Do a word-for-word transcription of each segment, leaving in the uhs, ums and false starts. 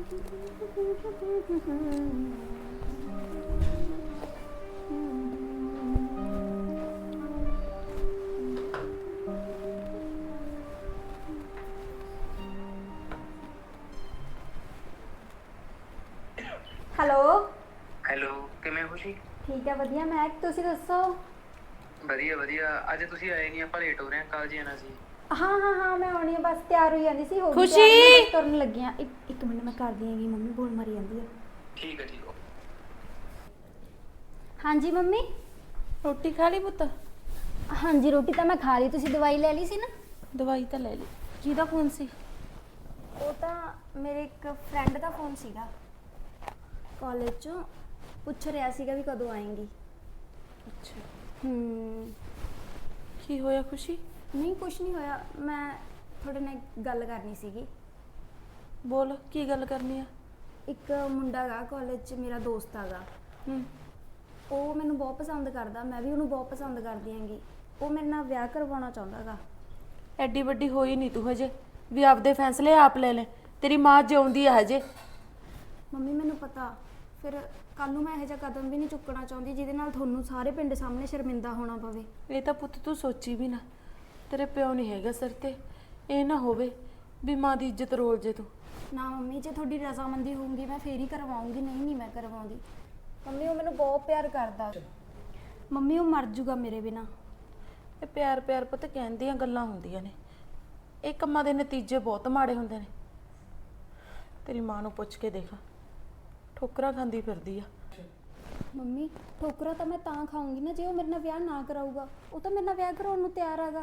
Hello hello किवें खुशी ठीक है वधिया मैं तुसी दसो ਵਧੀਆ ਵਧੀਆ ਅੱਜ ਤੁਸੀਂ ਆਏ ਨਹੀਂ ਆਪਾਂ ਲੇਟ ਹੋ ਰਹੇ ਹਾਂ ਕਾਲਜ ਜਾਣਾ ਸੀ हाँ हाँ हाँ मैं आनी है बस तैयार हो जाती सी हो गई खुशी! तैयार, मैं बस तुरन लगी हाँ एक एक मिनट मैं कर दी हैगी मम्मी बोल मारी जाती है ਠੀਕ ਹੈ ਠੀਕ ਹੋ हाँ जी मम्मी ਰੋਟੀ ਖਾ ਲਈ ਪੁੱਤ हाँ जी रोटी तो मैं खा ली तुसी दवाई ले ली सी ना ਦਵਾਈ ਤਾਂ ਲੈ ਲਈ ਕਿਹਦਾ ਫੋਨ ਸੀ वो तो मेरे एक फ्रेंड का फोन सीगा कॉलेज चो पूछ रहा सीगा भी कदों आएंगी ਅੱਛਾ हम्म ਕੀ ਹੋਇਆ ਖੁਸ਼ੀ नहीं कुछ नहीं होया मैं थोड़े नाल गल करनी सीगी ਬੋਲ ਕੀ ਗੱਲ ਕਰਨੀ ਆ एक मुंडा गा कॉलेज च मेरा दोस्त आगा ਹੂੰ ਉਹ ਮੈਨੂੰ ਬਹੁਤ ਪਸੰਦ ਕਰਦਾ ਮੈਂ ਵੀ ਉਹਨੂੰ ਬਹੁਤ ਪਸੰਦ ਕਰਦੀ ਆਂਗੀ ਉਹ ਮੇਰੇ ਨਾਲ ਵਿਆਹ ਕਰਵਾਉਣਾ ਚਾਹੁੰਦਾਗਾ ਐਡੀ ਵੱਡੀ ਹੋਈ ਨਹੀਂ ਤੂੰ ਹਜੇ ਵੀ ਆਪਦੇ ਫੈਸਲੇ ਆਪ ਲੈ ਲੈ ਤੇਰੀ ਮਾਂ ਜਿਉਂਦੀ ਆ ਹਜੇ ਮੰਮੀ ਮੈਨੂੰ ਪਤਾ ਫਿਰ ਕੱਲ ਨੂੰ ਮੈਂ ਇਹੋ ਜਿਹਾ ਕਦਮ ਵੀ ਨਹੀਂ ਚੁੱਕਣਾ ਚਾਹੁੰਦੀ ਜਿਹਦੇ ਨਾਲ ਤੁਹਾਨੂੰ ਸਾਰੇ ਪਿੰਡ ਸਾਹਮਣੇ ਸ਼ਰਮਿੰਦਾ ਹੋਣਾ ਪਵੇ ਇਹ ਤਾਂ ਪੁੱਤ ਤੂੰ ਸੋਚੀ ਵੀ ਨਾ ਤੇਰੇ ਪਿਓ ਨਹੀਂ ਹੈਗਾ ਸਿਰ ਤੇ ਇਹ ਨਾ ਹੋਵੇ ਵੀ ਮਾਂ ਦੀ ਇੱਜ਼ਤ ਰੋਲ ਜੇ ਤੂੰ ਨਾ ਮੰਮੀ ਜੇ ਤੁਹਾਡੀ ਰਜ਼ਾਮੰਦੀ ਹੋਊਗੀ ਮੈਂ ਫੇਰ ਹੀ ਕਰਵਾਉਂਗੀ ਨਹੀਂ ਨਹੀਂ ਮੈਂ ਕਰਵਾਉਂਦੀ ਮੰਮੀ ਉਹ ਮੈਨੂੰ ਬਹੁਤ ਪਿਆਰ ਕਰਦਾ ਮੰਮੀ ਉਹ ਮਰ ਜੂਗਾ ਮੇਰੇ ਬਿਨਾ ਇਹ ਪਿਆਰ ਪਿਆਰ ਪੁੱਤ ਕਹਿੰਦੀਆਂ ਗੱਲਾਂ ਹੁੰਦੀਆਂ ਨੇ ਇਹ ਕੰਮਾਂ ਦੇ ਨਤੀਜੇ ਬਹੁਤ ਮਾੜੇ ਹੁੰਦੇ ਨੇ ਤੇਰੀ ਮਾਂ ਨੂੰ ਪੁੱਛ ਕੇ ਦੇਖ ਠੋਕਰਾਂ ਖਾਂਦੀ ਫਿਰਦੀ ਆ ਮੰਮੀ ਠੋਕਰਾ ਤਾਂ ਮੈਂ ਤਾਂ ਖਾਊਂਗੀ ਨਾ ਜੇ ਉਹ ਮੇਰੇ ਨਾਲ ਵਿਆਹ ਨਾ ਕਰਾਊਗਾ ਉਹ ਤਾਂ ਮੇਰੇ ਨਾਲ ਵਿਆਹ ਕਰਾਉਣ ਨੂੰ ਤਿਆਰ ਹੈਗਾ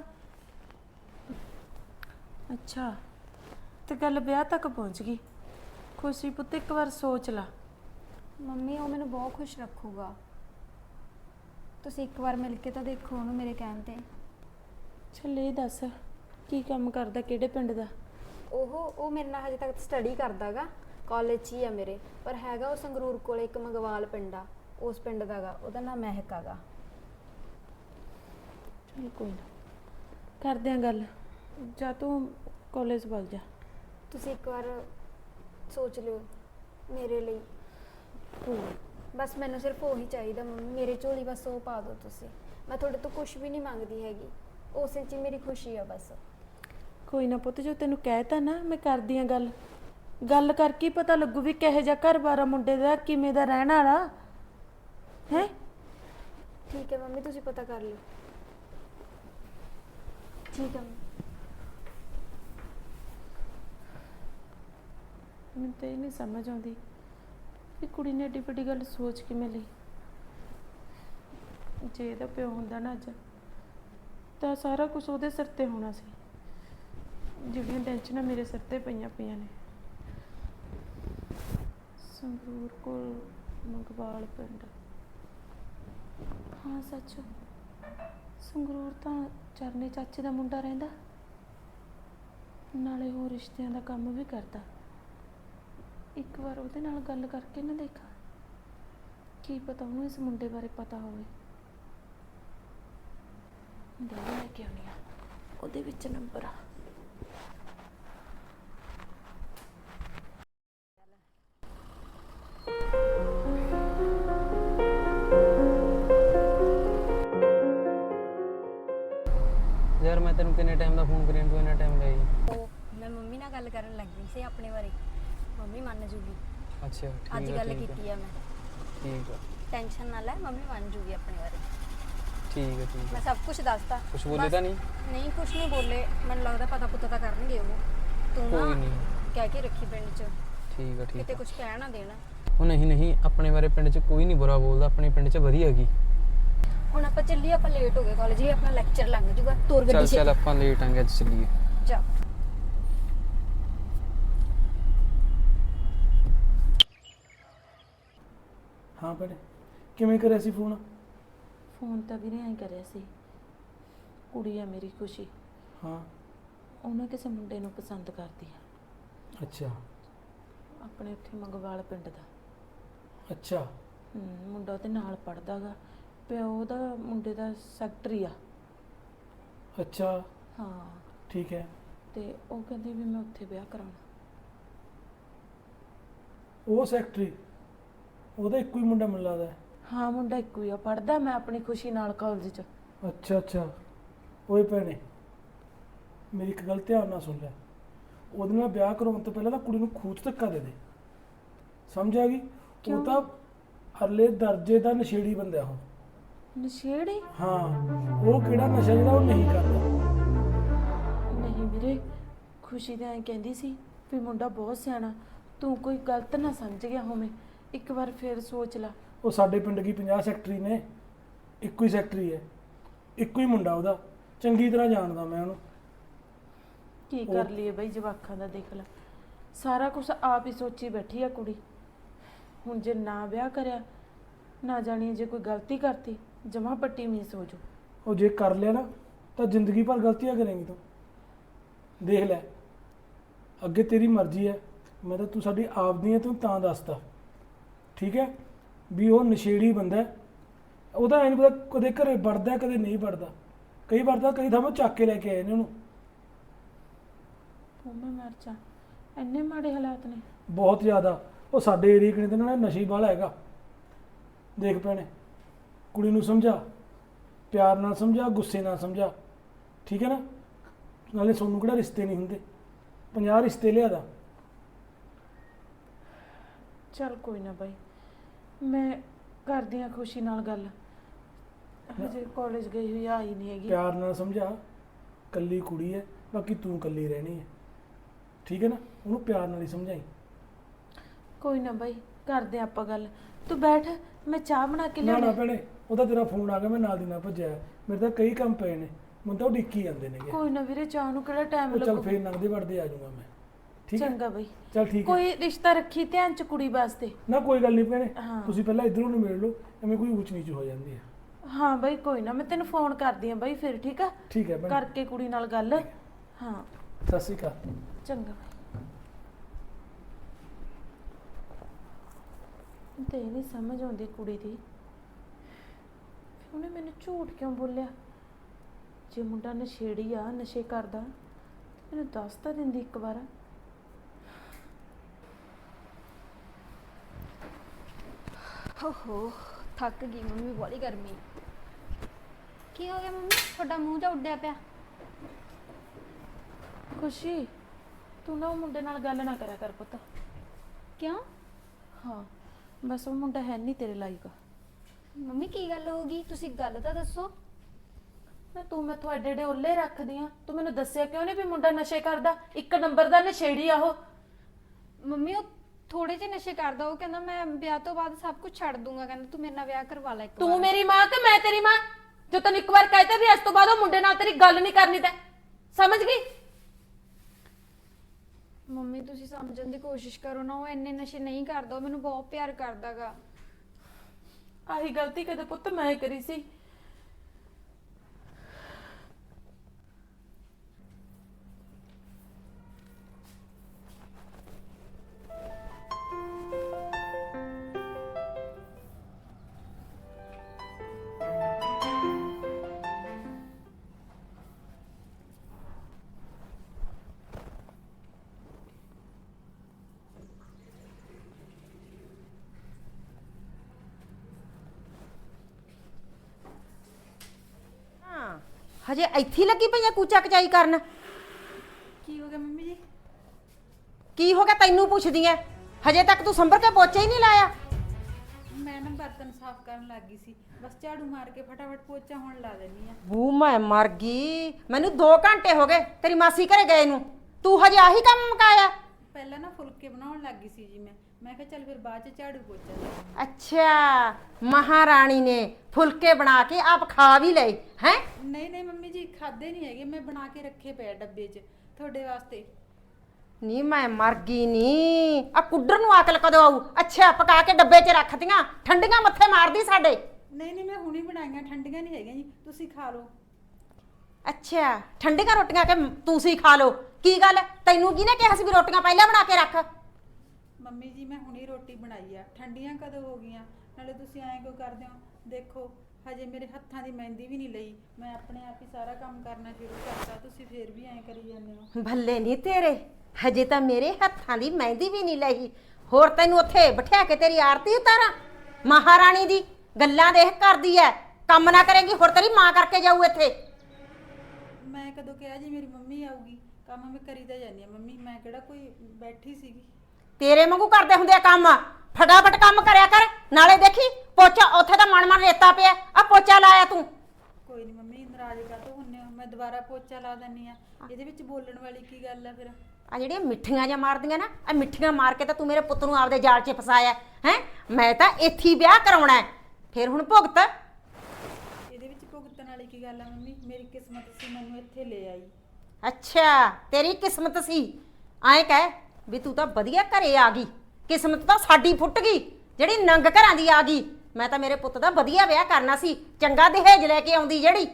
ਅੱਛਾ ਤੇ ਗੱਲ ਵਿਆਹ ਤੱਕ ਪਹੁੰਚ ਗਈ ਖੁਸ਼ੀ ਪੁੱਤ ਇੱਕ ਵਾਰ ਸੋਚ ਲਾ ਮੰਮੀ ਉਹ ਮੈਨੂੰ ਬਹੁਤ ਖੁਸ਼ ਰੱਖੂਗਾ ਤੁਸੀਂ ਇੱਕ ਵਾਰ ਮਿਲ ਕੇ ਤਾਂ ਦੇਖੋ ਉਹਨੂੰ ਮੇਰੇ ਕਹਿਣ ਤੇ ਚੱਲ ਇਹ ਦੱਸ ਕੀ ਕੰਮ ਕਰਦਾ ਕਿਹੜੇ ਪਿੰਡ ਦਾ ਉਹ ਉਹ ਮੇਰੇ ਨਾਲ ਹਜੇ ਤੱਕ ਸਟੱਡੀ ਕਰਦਾਗਾ ਕਾਲਜ 'ਚ ਹੀ ਆ ਮੇਰੇ ਪਰ ਹੈਗਾ ਉਹ ਸੰਗਰੂਰ ਕੋਲੇ ਇੱਕ ਮੰਗਵਾਲ ਪਿੰਡ ਆ ਉਸ ਪਿੰਡ ਦਾਗਾ ਉਹਦਾ ਨਾਮ ਮਹਿਕ ਆਗਾ ਚੱਲ ਕੋਈ ਨਾ ਕਰਦੇ ਆਂ ਗੱਲ ਜਾ ਤੂੰ ਕਾਲਜ ਵੱਲ ਜਾ ਤੁਸੀਂ ਇੱਕ ਵਾਰ ਸੋਚ ਲਿਓ ਮੇਰੇ ਲਈ ਬਸ ਮੈਨੂੰ ਸਿਰਫ ਉਹੀ ਚਾਹੀਦਾ ਮੰਮੀ ਮੇਰੇ ਝੋਲੀ ਬਸ ਉਹ ਪਾ ਦਿਓ ਤੁਸੀਂ ਮੈਂ ਤੁਹਾਡੇ ਤੋਂ ਕੁਝ ਵੀ ਨਹੀਂ ਮੰਗਦੀ ਹੈਗੀ ਉਸੇ 'ਚ ਹੀ ਮੇਰੀ ਖੁਸ਼ੀ ਆ ਬਸ ਕੋਈ ਨਾ ਪੁੱਤ ਜੋ ਤੈਨੂੰ ਕਹਿਤਾ ਨਾ ਮੈਂ ਕਰਦੀ ਆਂ ਗੱਲ ਗੱਲ ਕਰਕੇ ਪਤਾ ਲੱਗੂ ਵੀ ਕਿਹੋ ਜਿਹਾ ਘਰ-ਬਾਰ ਆ ਮੁੰਡੇ ਦਾ ਕਿਵੇਂ ਦਾ ਰਹਿਣ ਵਾਲਾ ਹੈ ਠੀਕ ਹੈ ਮੰਮੀ ਤੁਸੀਂ ਪਤਾ ਕਰ ਲਿਓ ਠੀਕ ਹੈ ਮੈਨੂੰ ਤਾਂ ਇਹ ਨਹੀਂ ਸਮਝ ਆਉਂਦੀ ਕਿ ਕੁੜੀ ਨੇ ਏਡੀ ਵੱਡੀ ਗੱਲ ਸੋਚ ਕਿਵੇਂ ਲਈ ਜੇ ਇਹਦਾ ਪਿਓ ਹੁੰਦਾ ਨਾ ਅੱਜ ਤਾਂ ਸਾਰਾ ਕੁਝ ਉਹਦੇ ਸਿਰ ਤੇ ਹੋਣਾ ਸੀ ਜਿਹੜੀਆਂ ਟੈਨਸ਼ਨਾਂ ਮੇਰੇ ਸਿਰ ਤੇ ਪਈਆਂ ਪਈਆਂ ਨੇ ਸੰਗਰੂਰ ਕੋਲ ਮੰਗਵਾਲ ਪਿੰਡ ਹਾਂ ਸੱਚ ਸੰਗਰੂਰ ਤਾਂ ਚਰਨੇ ਚਾਚੇ ਦਾ ਮੁੰਡਾ ਰਹਿੰਦਾ ਨਾਲੇ ਉਹ ਰਿਸ਼ਤਿਆਂ ਦਾ ਕੰਮ ਵੀ ਕਰਦਾ ਇੱਕ ਵਾਰ ਉਹਦੇ ਨਾਲ ਗੱਲ ਕਰਕੇ ਨਾ ਦੇਖਾਂ ਕੀ ਪਤਾ ਉਹਨੂੰ ਇਸ ਮੁੰਡੇ ਬਾਰੇ ਪਤਾ ਹੋਵੇ ਦੇ ਲੈ ਕੇ ਆਉਣੀ ਆ ਉਹਦੇ ਵਿੱਚ ਨੰਬਰ ਆ ਯਾਰ ਮੈਂ ਤੈਨੂੰ ਕਿੰਨੇ ਟਾਈਮ ਦਾ ਫੋਨ ਕਰੀਂ ਤੂੰ ਇੰਨਾ ਟਾਈਮ ਲਾਈ ਮੈਂ ਮੰਮੀ ਨਾਲ ਗੱਲ ਕਰਨ ਲੱਗੀ ਸੀ ਆਪਣੇ ਬਾਰੇ ਮੰਮੀ ਮੰਨ ਜੂਗੀ ਅੱਛਾ ਠੀਕ ਅੱਜ ਆ, ਗੱਲ ਠੀਕ ਆ, ਕੀਤੀ ਆ ਮੈਂ ਠੀਕ ਆ ਟੈਨਸ਼ਨ ਨਾ ਲੈ ਮੰਮੀ ਮੰਨ ਜੂਗੀ ਆਪਣੇ ਬਾਰੇ ਠੀਕ ਹੈ ਠੀਕ ਮੈਂ ਹੈ ਸਭ ਕੁਝ ਦੱਸਤਾ ਕੁਛ ਬੋਲੇ ਬਸ- ਤਾਂ ਨਹੀਂ ਨਹੀਂ ਕੁਝ ਨਹੀਂ ਬੋਲੇ ਮੈਨੂੰ ਲੱਗਦਾ ਪਤਾ ਪੁੱਤਾ ਤਾਂ ਕਰਨਗੇ ਉਹ ਤੂੰ ਕੋਈ ਨਾ ਨਹੀਂ ਕਹਿ ਕੇ ਰੱਖੀ ਪਿੰਡ 'ਚ ਠੀਕ ਆ ਠੀਕ ਕਿਤੇ ਆ ਕੁਝ ਕਹਿ ਨਾ ਦੇਣਾ ਉਹ ਨਹੀਂ ਨਹੀਂ ਆਪਣੇ ਬਾਰੇ ਪਿੰਡ 'ਚ ਕੋਈ ਨਹੀਂ ਬੁਰਾ ਬੋਲਦਾ ਆਪਣੇ ਪਿੰਡ 'ਚ ਵਧੀਆ ਹੈਗੀ ਹੁਣ ਆਪਾਂ ਚੱਲੀਏ ਆਪਾਂ ਲੇਟ ਹੋ ਗਏ ਕਾਲਜ ਹੀ ਆਪਣਾ ਲੈਕਚਰ ਲੰਘ ਜੂਗਾ ਤੋਰ ਚੱਲ ਗੱਡੀ ਚੱਲ ਛੇ ਆਪਾਂ ਲੇਟ ਆਂਗੇ ਅੱਜ ਚੱਲੀਏ ਜਾ ਹਾਂ ਭੈਣੇ ਕਿਵੇਂ ਕਰਿਆ ਸੀ ਫੋਨ ਫੋਨ ਤਾਂ ਵੀਰੇ ਐਂ ਕਰਿਆ ਸੀ ਕੁੜੀ ਆ ਮੇਰੀ ਖੁਸ਼ੀ ਹਾਂ ਉਹਨੇ ਕਿਸੇ ਮੁੰਡੇ ਨੂੰ ਪਸੰਦ ਕਰਦੀ ਆ ਅੱਛਾ ਆਪਣੇ ਉੱਥੇ ਮੰਗਵਾਲ ਪਿੰਡ ਦਾ ਅੱਛਾ ਹੂੰ ਮੁੰਡਾ ਉਹਦੇ ਨਾਲ ਪੜਦਾ ਗਾ ਪਿਓ ਉਹਦਾ ਮੁੰਡੇ ਦਾ ਸੈਕਟਰੀ ਆ ਅੱਛਾ ਹਾਂ ਠੀਕ ਹੈ ਤੇ ਉਹ ਕਹਿੰਦੀ ਵੀ ਮੈਂ ਉੱਥੇ ਵਿਆਹ ਕਰਾਉਣਾ ਉਹ ਸੈਕਟਰੀ ਉਹਦਾ ਇੱਕੋ ਹੀ ਮੁੰਡਾ ਮੈਨੂੰ ਲੱਗਦਾ ਹੈ। ਹਾਂ ਮੁੰਡਾ ਇੱਕੋ ਹੀ ਆ, ਪੜਦਾ ਮੈਂ ਆਪਣੀ ਖੁਸ਼ੀ ਨਾਲ ਕਾਲਜ 'ਚ। ਅੱਛਾ ਅੱਛਾ। ਓਏ ਭੈਣੇ, ਮੇਰੀ ਇੱਕ ਗੱਲ ਧਿਆਨ ਨਾਲ ਸੁਣ ਲੈ। ਉਹਦੇ ਨਾਲ ਵਿਆਹ ਕਰਾਉਣ ਤੋਂ ਪਹਿਲਾਂ ਨਾ ਕੁੜੀ ਨੂੰ ਖੂਚ ਧੱਕਾ ਦੇ ਦੇ, ਸਮਝ ਆ ਗਈ? ਕਿਉਂ? ਉਹ ਤਾਂ ਅਰਲੇ ਦਰਜੇ ਦਾ ਨਸ਼ੇੜੀ ਬੰਦਾ ਉਹ। ਨਸ਼ੇੜੀ? ਹਾਂ, ਉਹ ਕਿਹੜਾ ਨਸ਼ਾ ਜਿਹੜਾ ਉਹ ਨਹੀਂ ਕਰਦਾ। ਨਹੀਂ ਵੀਰੇ, ਖੁਸ਼ੀ ਤਾਂ ਐਂ ਕਹਿੰਦੀ ਸੀ ਵੀ ਮੁੰਡਾ ਬਹੁਤ ਸਿਆਣਾ, ਤੂੰ ਕੋਈ ਗਲਤ ਨਾ ਸਮਝ ਗਿਆ ਹੋਵੇਂ, ਇੱਕ ਵਾਰ ਫੇਰ ਸੋਚ ਲਾ। ਉਹ ਸਾਡੇ ਪਿੰਡ ਕੀ ਪੰਜਾਹ ਸੈਕਟਰੀ ਨੇ, ਇੱਕੋ ਹੀ ਸੈਕਟਰੀ ਹੈ, ਇੱਕੋ ਹੀ ਮੁੰਡਾ ਉਹਦਾ, ਚੰਗੀ ਤਰ੍ਹਾਂ ਜਾਣਦਾ ਮੈਂ ਉਹਨੂੰ। ਕੀ ਕਰ ਲਈਏ ਬਈ, ਜਵਾਕਾਂ ਦਾ ਦੇਖ ਲੈ, ਸਾਰਾ ਕੁਝ ਆਪ ਹੀ ਸੋਚੀ ਬੈਠੀ ਆ ਕੁੜੀ। ਹੁਣ ਜੇ ਨਾ ਵਿਆਹ ਕਰਿਆ, ਨਾ ਜਾਣੀਏ ਜੇ ਕੋਈ ਗਲਤੀ ਕਰਤੀ, ਜਮਾ ਪੱਟੀ ਮੀਸ ਹੋ ਜੂ। ਉਹ ਜੇ ਕਰ ਲਿਆ ਨਾ ਤਾਂ ਜ਼ਿੰਦਗੀ ਭਰ ਗਲਤੀਆਂ ਕਰੇਂਗੀ ਤੂੰ। ਦੇਖ ਲੈ, ਅੱਗੇ ਤੇਰੀ ਮਰਜ਼ੀ ਹੈ, ਮੈਂ ਤਾਂ ਤੂੰ ਸਾਡੀ ਆਪਦੀ ਹੈ, ਤੂੰ ਤਾਂ ਦੱਸਦਾ ਠੀਕ ਹੈ ਵੀ ਉਹ ਨਸ਼ੇੜੀ ਬੰਦਾ ਹੈ। ਉਹਦਾ ਐਂ ਨਹੀਂ ਪਤਾ ਕਦੇ ਘਰੇ ਵੜਦਾ ਕਦੇ ਨਹੀਂ ਵੜਦਾ, ਕਈ ਵਾਰ ਤਾਂ ਕਈ ਥਾਵਾਂ ਚੱਕ ਕੇ ਲੈ ਕੇ ਆਏ ਨੇ ਉਹਨੂੰ। ਉਹ ਮੈਂ ਮਰ ਜਾ, ਇੰਨੇ ਮਾੜੇ ਹਾਲਾਤ ਨੇ। ਬਹੁਤ ਜ਼ਿਆਦਾ। ਉਹ ਸਾਡੇ ਏਰੀਏ ਕਿਨੇ ਤੇ ਨਾ ਨਸ਼ੇ ਵਾਲਾ ਹੈਗਾ। ਦੇਖ ਭੈਣੇ, ਕੁੜੀ ਨੂੰ ਸਮਝਾ, ਪਿਆਰ ਨਾਲ ਸਮਝਾ, ਗੁੱਸੇ ਨਾਲ ਸਮਝਾ, ਠੀਕ ਹੈ ਨਾ? ਨਾਲੇ ਸੋਨੂੰ ਕਿਹੜਾ ਰਿਸ਼ਤੇ ਨਹੀਂ ਹੁੰਦੇ, ਪੰਜਾਹ ਰਿਸ਼ਤੇ ਲਿਆਦਾ। ਚੱਲ ਕੋਈ ਨਾ ਬਾਈ, ਮੈਂ ਕਰਦੀ ਆ ਖੁਸ਼ੀ ਨਾਲ ਗੱਲ, ਹਜੇ ਕਾਲਜ ਗਈ ਹੋਈ ਆਈ ਨਹੀਂ ਹੈਗੀ। ਪਿਆਰ ਨਾਲ ਸਮਝਾ, ਕੱਲੀ ਕੁੜੀ ਹੈ, ਬਾਕੀ ਤੂੰ ਕੱਲੀ ਰਹਿਣੀ ਹੈ, ਠੀਕ ਹੈ ਨਾ? ਉਹਨੂੰ ਪਿਆਰ ਨਾਲ ਹੀ ਸਮਝਾਈ। ਕੋਈ ਨਾ ਬਾਈ, ਕਰਦੇ ਆ ਆਪਾਂ ਗੱਲ, ਤੂੰ ਬੈਠ, ਮੈਂ ਚਾਹ ਬਣਾ ਕੇ ਨਾ ਨਾ ਲਿਆਉਣੀ। ਭੈਣੇ, ਉਹਦਾ ਤੇਰਾ ਫੋਨ ਆ ਗਿਆ, ਮੈਂ ਨਾਲ ਦੀ ਨਾਲ ਭੱਜਿਆ। ਮੇਰੇ ਤਾਂ ਕਈ ਕੰਮ ਪਏ ਨੇ, ਮੈਨੂੰ ਤਾਂ ਉਹ ਡਿੱਕੀ ਜਾਂਦੇ ਨੇਗੇ। ਕੋਈ ਨਾ ਵੀਰੇ, ਚਾਹ ਨੂੰ ਕਿਹੜਾ ਟਾਈਮ ਉਹ ਚੱਲ ਲੱਗੂ। ਫੇਰ ਲੰਘਦੇ ਵੜਦੇ ਆ ਜਾਊਂਗਾ ਮੈਂ, ਠੀਕ ਹੈ? ਚੰਗਾ ਬਾਈ, ਚੱਲ ਠੀਕ ਹੈ। ਕੋਈ ਰਿਸ਼ਤਾ ਰੱਖੀ ਧਿਆਨ ਚ ਕੁੜੀ ਵਾਸਤੇ। ਨਾ ਕੋਈ ਗੱਲ ਨਹੀਂ ਭੈਣੇ, ਹਾਂ। ਤੁਸੀਂ ਪਹਿਲਾਂ ਇਧਰੋਂ ਨੂੰ ਮਿਲ ਲਓ, ਐਵੇਂ ਕੋਈ ਊਚ ਨੀਚ ਹੋ ਜਾਂਦੀ ਹੈ। ਹਾਂ ਬਾਈ, ਕੋਈ ਨਾ, ਮੈਂ ਤੈਨੂੰ ਫੋਨ ਕਰਦੀ ਆ ਬਾਈ ਫਿਰ, ਠੀਕ ਆ? ਠੀਕ ਹੈ ਭੈਣੇ, ਕਰਕੇ ਕੁੜੀ ਨਾਲ ਗੱਲ। ਹਾਂ ਸਤਿ ਸ਼੍ਰੀ ਅਕਾਲ। ਚੰਗਾ ਬਾਈ। ਤੇ ਇਹ ਨਹੀਂ ਸਮਝ ਆਉਂਦੀ ਕੁੜੀ ਦੀ, ਉਹਨੇ ਮੈਨੂੰ ਝੂਠ ਕਿਉਂ ਬੋਲਿਆ? ਜੇ ਮੁੰਡਾ ਨਸ਼ੇੜੀ ਆ, ਨਸ਼ੇ ਕਰਦਾ, ਮੈਨੂੰ ਦੱਸ ਤਾਂ ਦਿੰਦੀ ਇੱਕ ਵਾਰ। ਓਹੋ, ਥੱਕ ਗਈ ਮੰਮੀ, ਬੜੀ ਗਰਮੀ। ਕੀ ਹੋ ਗਿਆ ਮੰਮੀ, ਤੁਹਾਡਾ ਮੂੰਹ ਜਾ ਉੱਡਿਆ ਪਿਆ? ਖੁਸ਼ੀ, ਤੂੰ ਨਾ ਉਹ ਮੁੰਡੇ ਨਾਲ ਗੱਲ ਨਾ ਕਰਿਆ ਕਰ ਪੁੱਤ। ਕਿਉਂ ਹਾਂ, ਬਸ ਉਹ ਮੁੰਡਾ ਹੈ ਨਹੀਂ ਤੇਰੇ ਲਾਇਕ। ਮੰਮੀ, ਕੀ ਗੱਲ ਹੋ ਗਈ? ਤੁਸੀਂ ਗੱਲ ਤਾਂ ਦੱਸੋ। ਨਾ ਤੂੰ ਮੈਥੋਂ ਐਡੇ ਐਡੇ ਉੱਲੇ ਰੱਖਦੀ ਆ, ਤੂੰ ਮੈਨੂੰ ਦੱਸਿਆ ਕਿਉਂ ਨਹੀਂ ਵੀ ਮੁੰਡਾ ਨਸ਼ੇ ਕਰਦਾ? ਇੱਕ ਨੰਬਰ ਦਾ ਨਸ਼ੇੜੀ ਆ ਉਹ। ਮੰਮੀ, ਉਹ ਥੋੜੇ ਜਿਹੇ ਨਸ਼ੇ ਕਰਦਾ, ਉਹ ਕਹਿੰਦਾ ਮੈਂ ਵਿਆਹ ਤੋਂ ਬਾਅਦ ਸਭ ਕੁਝ ਛੱਡ ਦੂੰਗਾ, ਕਹਿੰਦਾ ਤੂੰ ਮੇਰੇ ਨਾਲ ਵਿਆਹ ਕਰਵਾ ਲੈ ਇੱਕ ਤੂੰ ਵਾਰ। ਮੇਰੀ ਮਾਂ ਕਿ ਮੈਂ ਤੇਰੀ ਮਾਂ, ਜੋ ਤੈਨੂੰ ਇੱਕ ਵਾਰ ਕਹਿਤਾ ਵੀ ਇਸ ਤੋਂ ਬਾਅਦ ਉਹ ਮੁੰਡੇ ਨਾਲ ਤੇਰੀ ਗੱਲ ਨਹੀਂ ਕਰਨੀ, ਤੈਂ ਸਮਝ ਗਈ? ਮੰਮੀ, ਤੁਸੀਂ ਸਮਝਣ ਦੀ ਕੋਸ਼ਿਸ਼ ਕਰੋ ਨਾ, ਉਹ ਇੰਨੇ ਨਸ਼ੇ ਨਹੀਂ ਕਰਦਾ, ਉਹ ਮੈਨੂੰ ਬਹੁਤ ਪਿਆਰ ਕਰਦਾਗਾ। ਆਹੀ ਗਲਤੀ ਕਦੇ ਪੁੱਤ ਮੈਂ ਕਰੀ ਸੀ। ਹਾਂ, ਹਜੇ ਇੱਥੇ ਹੀ ਲੱਗੀ ਪਈ ਆ ਕੂਚਾ ਕਚਾਈ ਕਰਨ। ਕੀ ਹੋ ਗਿਆ ਮੰਮੀ ਜੀ? ਕੀ ਹੋ ਗਿਆ ਤੈਨੂੰ ਪੁੱਛਦੀ ਐ? ਹਜੇ ਤੱਕ ਤੂੰ ਸੰਭਰ ਕੇ ਪੋਚਾ ਹੀ ਨਹੀਂ ਲਾਇਆ। ਮੈਂ ਨਾ ਬਰਤਨ ਸਾਫ਼ ਕਰਨ ਲੱਗ ਗਈ ਸੀ, ਬਸ ਝਾੜੂ ਮਾਰ ਕੇ ਫਟਾਫਟ ਪੋਚਾ ਹੁਣ ਲਾ ਦੇਣੀ ਆ। ਬੂ ਮੈਂ ਮਰ ਗਈ, ਮੈਨੂੰ ਦੋ ਘੰਟੇ ਹੋ ਗਏ ਤੇਰੀ ਮਾਸੀ ਘਰੇ ਗਏ ਨੂੰ, ਤੂੰ ਹਜੇ ਆਹੀ ਕੰਮ ਮੁਕਾਇਆ? ਪਹਿਲਾਂ ਨਾ ਫੁਲਕੇ ਬਣਾਉਣ ਲੱਗ ਗਈ ਸੀ ਜੀ ਮੈਂ ਮੈਂ ਕਿਹਾ ਚੱਲ ਫਿਰ ਬਾਅਦ ਚ ਝਾੜੂ ਪੋਚਾ ਲਾ। ਅੱਛਾ, ਮਹਾਰਾਣੀ ਨੇ ਫੁਲਕੇ ਬਣਾ ਕੇ ਆਪ ਖਾ ਵੀ ਲਏ ਹੈ? ਨਹੀਂ ਨਹੀਂ ਮੰਮੀ ਜੀ, ਖਾਦੇ ਨਹੀਂ ਹੈਗੇ, ਮੈਂ ਬਣਾ ਕੇ ਰੱਖੇ ਪਏ ਆ ਡੱਬੇ 'ਚ ਤੁਹਾਡੇ ਵਾਸਤੇ। ਨੀ ਮੈਂ ਮਰ ਗਈ ਨੀ, ਆ ਕੁੱਡਰ ਨੂੰ ਅਕਲ ਕਦੋਂ ਆਊ? ਅੱਛਾ, ਪਕਾ ਕੇ ਡੱਬੇ 'ਚ ਰੱਖਤੀਆਂ, ਠੰਡੀਆਂ ਮੱਥੇ ਮਾਰਦੀ ਸਾਡੇ। ਨਹੀਂ ਨਹੀਂ, ਮੈਂ ਹੁਣੀ ਬਣਾਈਆਂ, ਠੰਡੀਆਂ ਨਹੀਂ ਹੈਗੀਆਂ ਜੀ, ਤੁਸੀਂ ਖਾ ਲਓ। ਅੱਛਾ, ਠੰਡੀਆਂ ਰੋਟੀਆਂ ਕਿ ਤੁਸੀਂ ਖਾ ਲਓ? ਕੀ ਗੱਲ, ਤੈਨੂੰ ਕਿਹਨੇ ਕਿਹਾ ਸੀ ਵੀ ਰੋਟੀਆਂ ਪਹਿਲਾਂ ਬਣਾ ਕੇ ਰੱਖ? ਮੰਮੀ ਜੀ, ਮੈਂ ਹੁਣੀ ਰੋਟੀ ਬਣਾਈ ਆ, ਠੰਡੀਆਂ ਕਦੋਂ ਹੋ ਗਈਆਂ? ਨਾਲੇ ਤੁਸੀਂ ਐਂ ਕਿਉਂ ਕਰਦੇ ਹੋ? ਦੇਖੋ ਹਜੇ ਮੇਰੇ ਹੱਥਾਂ ਦੀ ਮਹਿੰਦੀ ਵੀ ਨਹੀਂ ਲਈ, ਮੈਂ ਆਪਣੇ ਆਪ ਹੀ ਸਾਰਾ ਕੰਮ ਕਰਨਾ ਸ਼ੁਰੂ ਕਰਤਾ, ਤੁਸੀਂ ਫੇਰ ਵੀ ਐਂ ਕਰੀ ਜਾਂਦੇ ਹੋ। ਭੱਲੇ ਨਹੀਂ ਤੇਰੇ, ਹਜੇ ਤਾਂ ਮੇਰੇ ਹੱਥਾਂ ਦੀ ਮਹਿੰਦੀ ਵੀ ਨਹੀਂ ਲਈ। ਹੋਰ ਤੈਨੂੰ ਉੱਥੇ ਬਿਠਾ ਕੇ ਤੇਰੀ ਆਰਤੀ ਉਤਾਰਾਂ? ਮਹਾਰਾਣੀ ਦੀ ਗੱਲਾਂ ਦੇਖ ਕਰਦੀ ਐ, ਕੰਮ ਨਾ ਕਰੇਗੀ ਹੋਰ ਤੇਰੀ ਮਾਂ ਕਰਕੇ ਜਾਊ ਇੱਥੇ। ਮੈਂ ਕਦੋਂ ਕਿਹਾ ਜੀ ਮੇਰੀ ਮੰਮੀ ਆਊਗੀ? ਕੰਮ ਮੈਂ ਕਰੀ ਤਾਂ ਜਾਂਦੀ ਆ ਮੰਮੀ, ਮੈਂ ਕਿਹੜਾ ਕੋਈ ਬੈਠੀ ਸੀਗੀ। ਤੇਰੇ ਵਾਂਗੂ ਕਰਦੇ ਹੁੰਦੇ ਆ ਕੰਮ, ਫਟਾਫਟ ਕੰਮ ਕਰਿਆ ਕਰ। ਨਾਲੇ ਦੇਖੀ ਪੋਚਾ ਉੱਥੇ ਤਾਂ ਮਨ ਮਨ ਰੇਤਾ ਪਿਆ, ਆ ਪੋਚਾ ਲਾਇਆ ਤੂੰ। ਕੋਈ ਨਹੀਂ ਮੰਮੀ, ਨਾਰਾਜ਼ ਕਾਹਤੋਂ ਹੁੰਨੇ ਹੋ? ਮੈਂ ਦੁਬਾਰਾ ਪੋਚਾ ਲਾ ਦਿੰਨੀ ਆ। ਇਹਦੇ ਵਿੱਚ ਬੋਲਣ ਵਾਲੀ ਕੀ ਗੱਲ ਆ ਫਿਰ? ਆ ਜਿਹੜੀਆਂ ਮਿੱਠੀਆਂ ਜਾਂ ਮਾਰਦੀਆਂ ਨਾ, ਆ ਮਿੱਠੀਆਂ ਮਾਰ ਕੇ ਤਾਂ ਤੂੰ ਮੇਰੇ ਪੁੱਤ ਨੂੰ ਆਪਦੇ ਜਾਲ 'ਚ ਫਸਾਇਆ ਹੈ। ਮੈਂ ਤਾਂ ਇੱਥੇ ਹੀ ਵਿਆਹ ਕਰਾਉਣਾ ਹੈ, ਫਿਰ ਹੁਣ ਭੁਗਤ। ਇਹਦੇ ਵਿੱਚ ਭੁਗਤਣ ਵਾਲੀ ਕੀ ਗੱਲ ਆ ਮੰਮੀ? ਮੇਰੀ ਕਿਸਮਤ ਸੀ, ਮੈਨੂੰ ਇੱਥੇ ਲੈ ਆਈ। ਅੱਛਾ ਤੇਰੀ ਕਿਸਮਤ ਸੀ, ਐਂ ਕਹਿ ਵੀ ਤੂੰ ਤਾਂ ਵਧੀਆ ਘਰੇ ਆ ਗਈ। ਕਿਸਮਤ ਤਾਂ ਸਾਡੀ ਫੁੱਟ ਗਈ ਜਿਹੜੀ ਨੰਗ ਘਰਾਂ ਦੀ ਆ ਗਈ। ਮੈਂ ਤਾਂ ਮੇਰੇ ਪੁੱਤ ਦਾ ਵਧੀਆ ਵਿਆਹ ਕਰਨਾ ਸੀ, ਚੰਗਾ ਦਹੇਜ ਲੈ ਕੇ ਆਉਂਦੀ ਜਿਹੜੀ।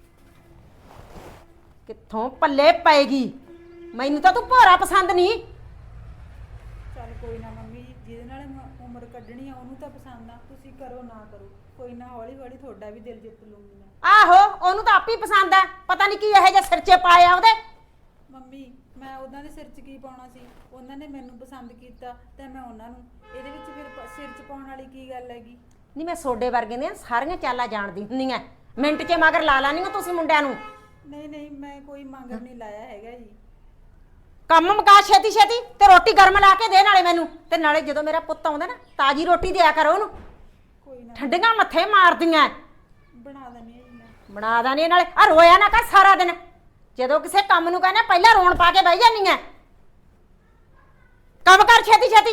ਕਿੱਥੋਂ ਪੱਲੇ ਪਏਗੀ? ਮੈਨੂੰ ਤਾਂ ਤੂੰ ਭੋਰਾ ਪਸੰਦ ਨਹੀਂ। ਚੱਲ ਕੋਈ ਨਾ ਮੰਮੀ ਜੀ, ਜਿਹਦੇ ਨਾਲ ਮੈਂ ਉਮਰ ਕੱਢਣੀ ਆ ਉਹਨੂੰ ਤਾਂ ਪਸੰਦ ਆ। ਤੁਸੀਂ ਕਰੋ ਨਾ ਕਰੋ, ਕੋਈ ਨਾ ਹੌਲੀ ਹੌਲੀ ਤੁਹਾਡਾ ਵੀ ਦਿਲ ਜਿੱਤ ਲੂੰਗੀ ਮੈਂ। ਆਹੋ ਉਹਨੂੰ ਤਾਂ ਆਪੇ ਪਸੰਦ ਆ, ਪਤਾ ਨਹੀਂ ਕੀ ਇਹੋ ਜਿਹਾ ਸਿਰ 'ਚ ਪਾਇਆ ਉਹਦੇ। ਮੰਮੀ ਮੈਂ ਉਹਨਾਂ ਦੇ ਸਿਰ 'ਚ ਕੀ ਪਾਉਣਾ ਸੀ? ਉਹਨਾਂ ਨੇ ਮੈਨੂੰ ਪਸੰਦ ਕੀਤਾ ਤੇ ਮੈਂ ਉਹਨਾਂ ਨੂੰ। ਇਹਦੇ ਵਿੱਚ ਫਿਰ ਪ- ਸਿਰ 'ਚ ਪਾਉਣ ਵਾਲੀ ਕੀ ਗੱਲ ਹੈਗੀ? ਨਹੀਂ ਮੈਂ ਸੋਡੇ ਵਰਗੇ ਦੀਆਂ ਸਾਰੀਆਂ ਚਾਲਾਂ ਜਾਣਦੀ ਹੁੰਦੀ ਆ, ਮਿੰਟ 'ਚ ਮਗਰ ਲਾ ਲਾਨੀ ਹੋ ਤੁਸੀਂ ਮੁੰਡਿਆਂ ਨੂੰ। ਨਹੀਂ ਨਹੀਂ, ਮੈਂ ਕੋਈ ਮੰਗਰ ਨਹੀਂ ਲਾਇਆ ਹੈਗਾ ਜੀ। ਕੰਮ ਮੁਕਾ ਛੇਤੀ ਛੇਤੀ ਤੇ ਰੋਟੀ ਗਰਮ ਲਾ ਕੇ ਦੇ ਨਾਲੇ ਮੈਨੂੰ, ਤੇ ਨਾਲੇ ਜਦੋਂ ਮੇਰਾ ਪੁੱਤ ਆਉਂਦਾ ਨਾ ਤਾਜੀ ਰੋਟੀ ਦਿਆ ਕਰੋ ਉਹਨੂੰ। ਕੋਈ ਨਾ ਠੰਡੀਆਂ ਮੱਥੇ ਮਾਰਦੀਆਂ। ਬਣਾ ਦਿੰਦੀ ਆ ਜੀ ਮੈਂ। ਬਣਾ ਦਾਨੀ ਨਾਲੇ ਆ ਰੋਇਆ ਨਾ ਕਰ ਸਾਰਾ ਦਿਨ। ਜਦੋਂ ਕਿਸੇ ਕੰਮ ਨੂੰ ਕਹਿੰਦਾ ਪਹਿਲਾਂ ਰੋਣ ਪਾ ਕੇ ਬਹਿ ਜਾਂਦੀ ਐ। ਕੰਮ ਕਰ ਛੇਤੀ ਛੇਤੀ।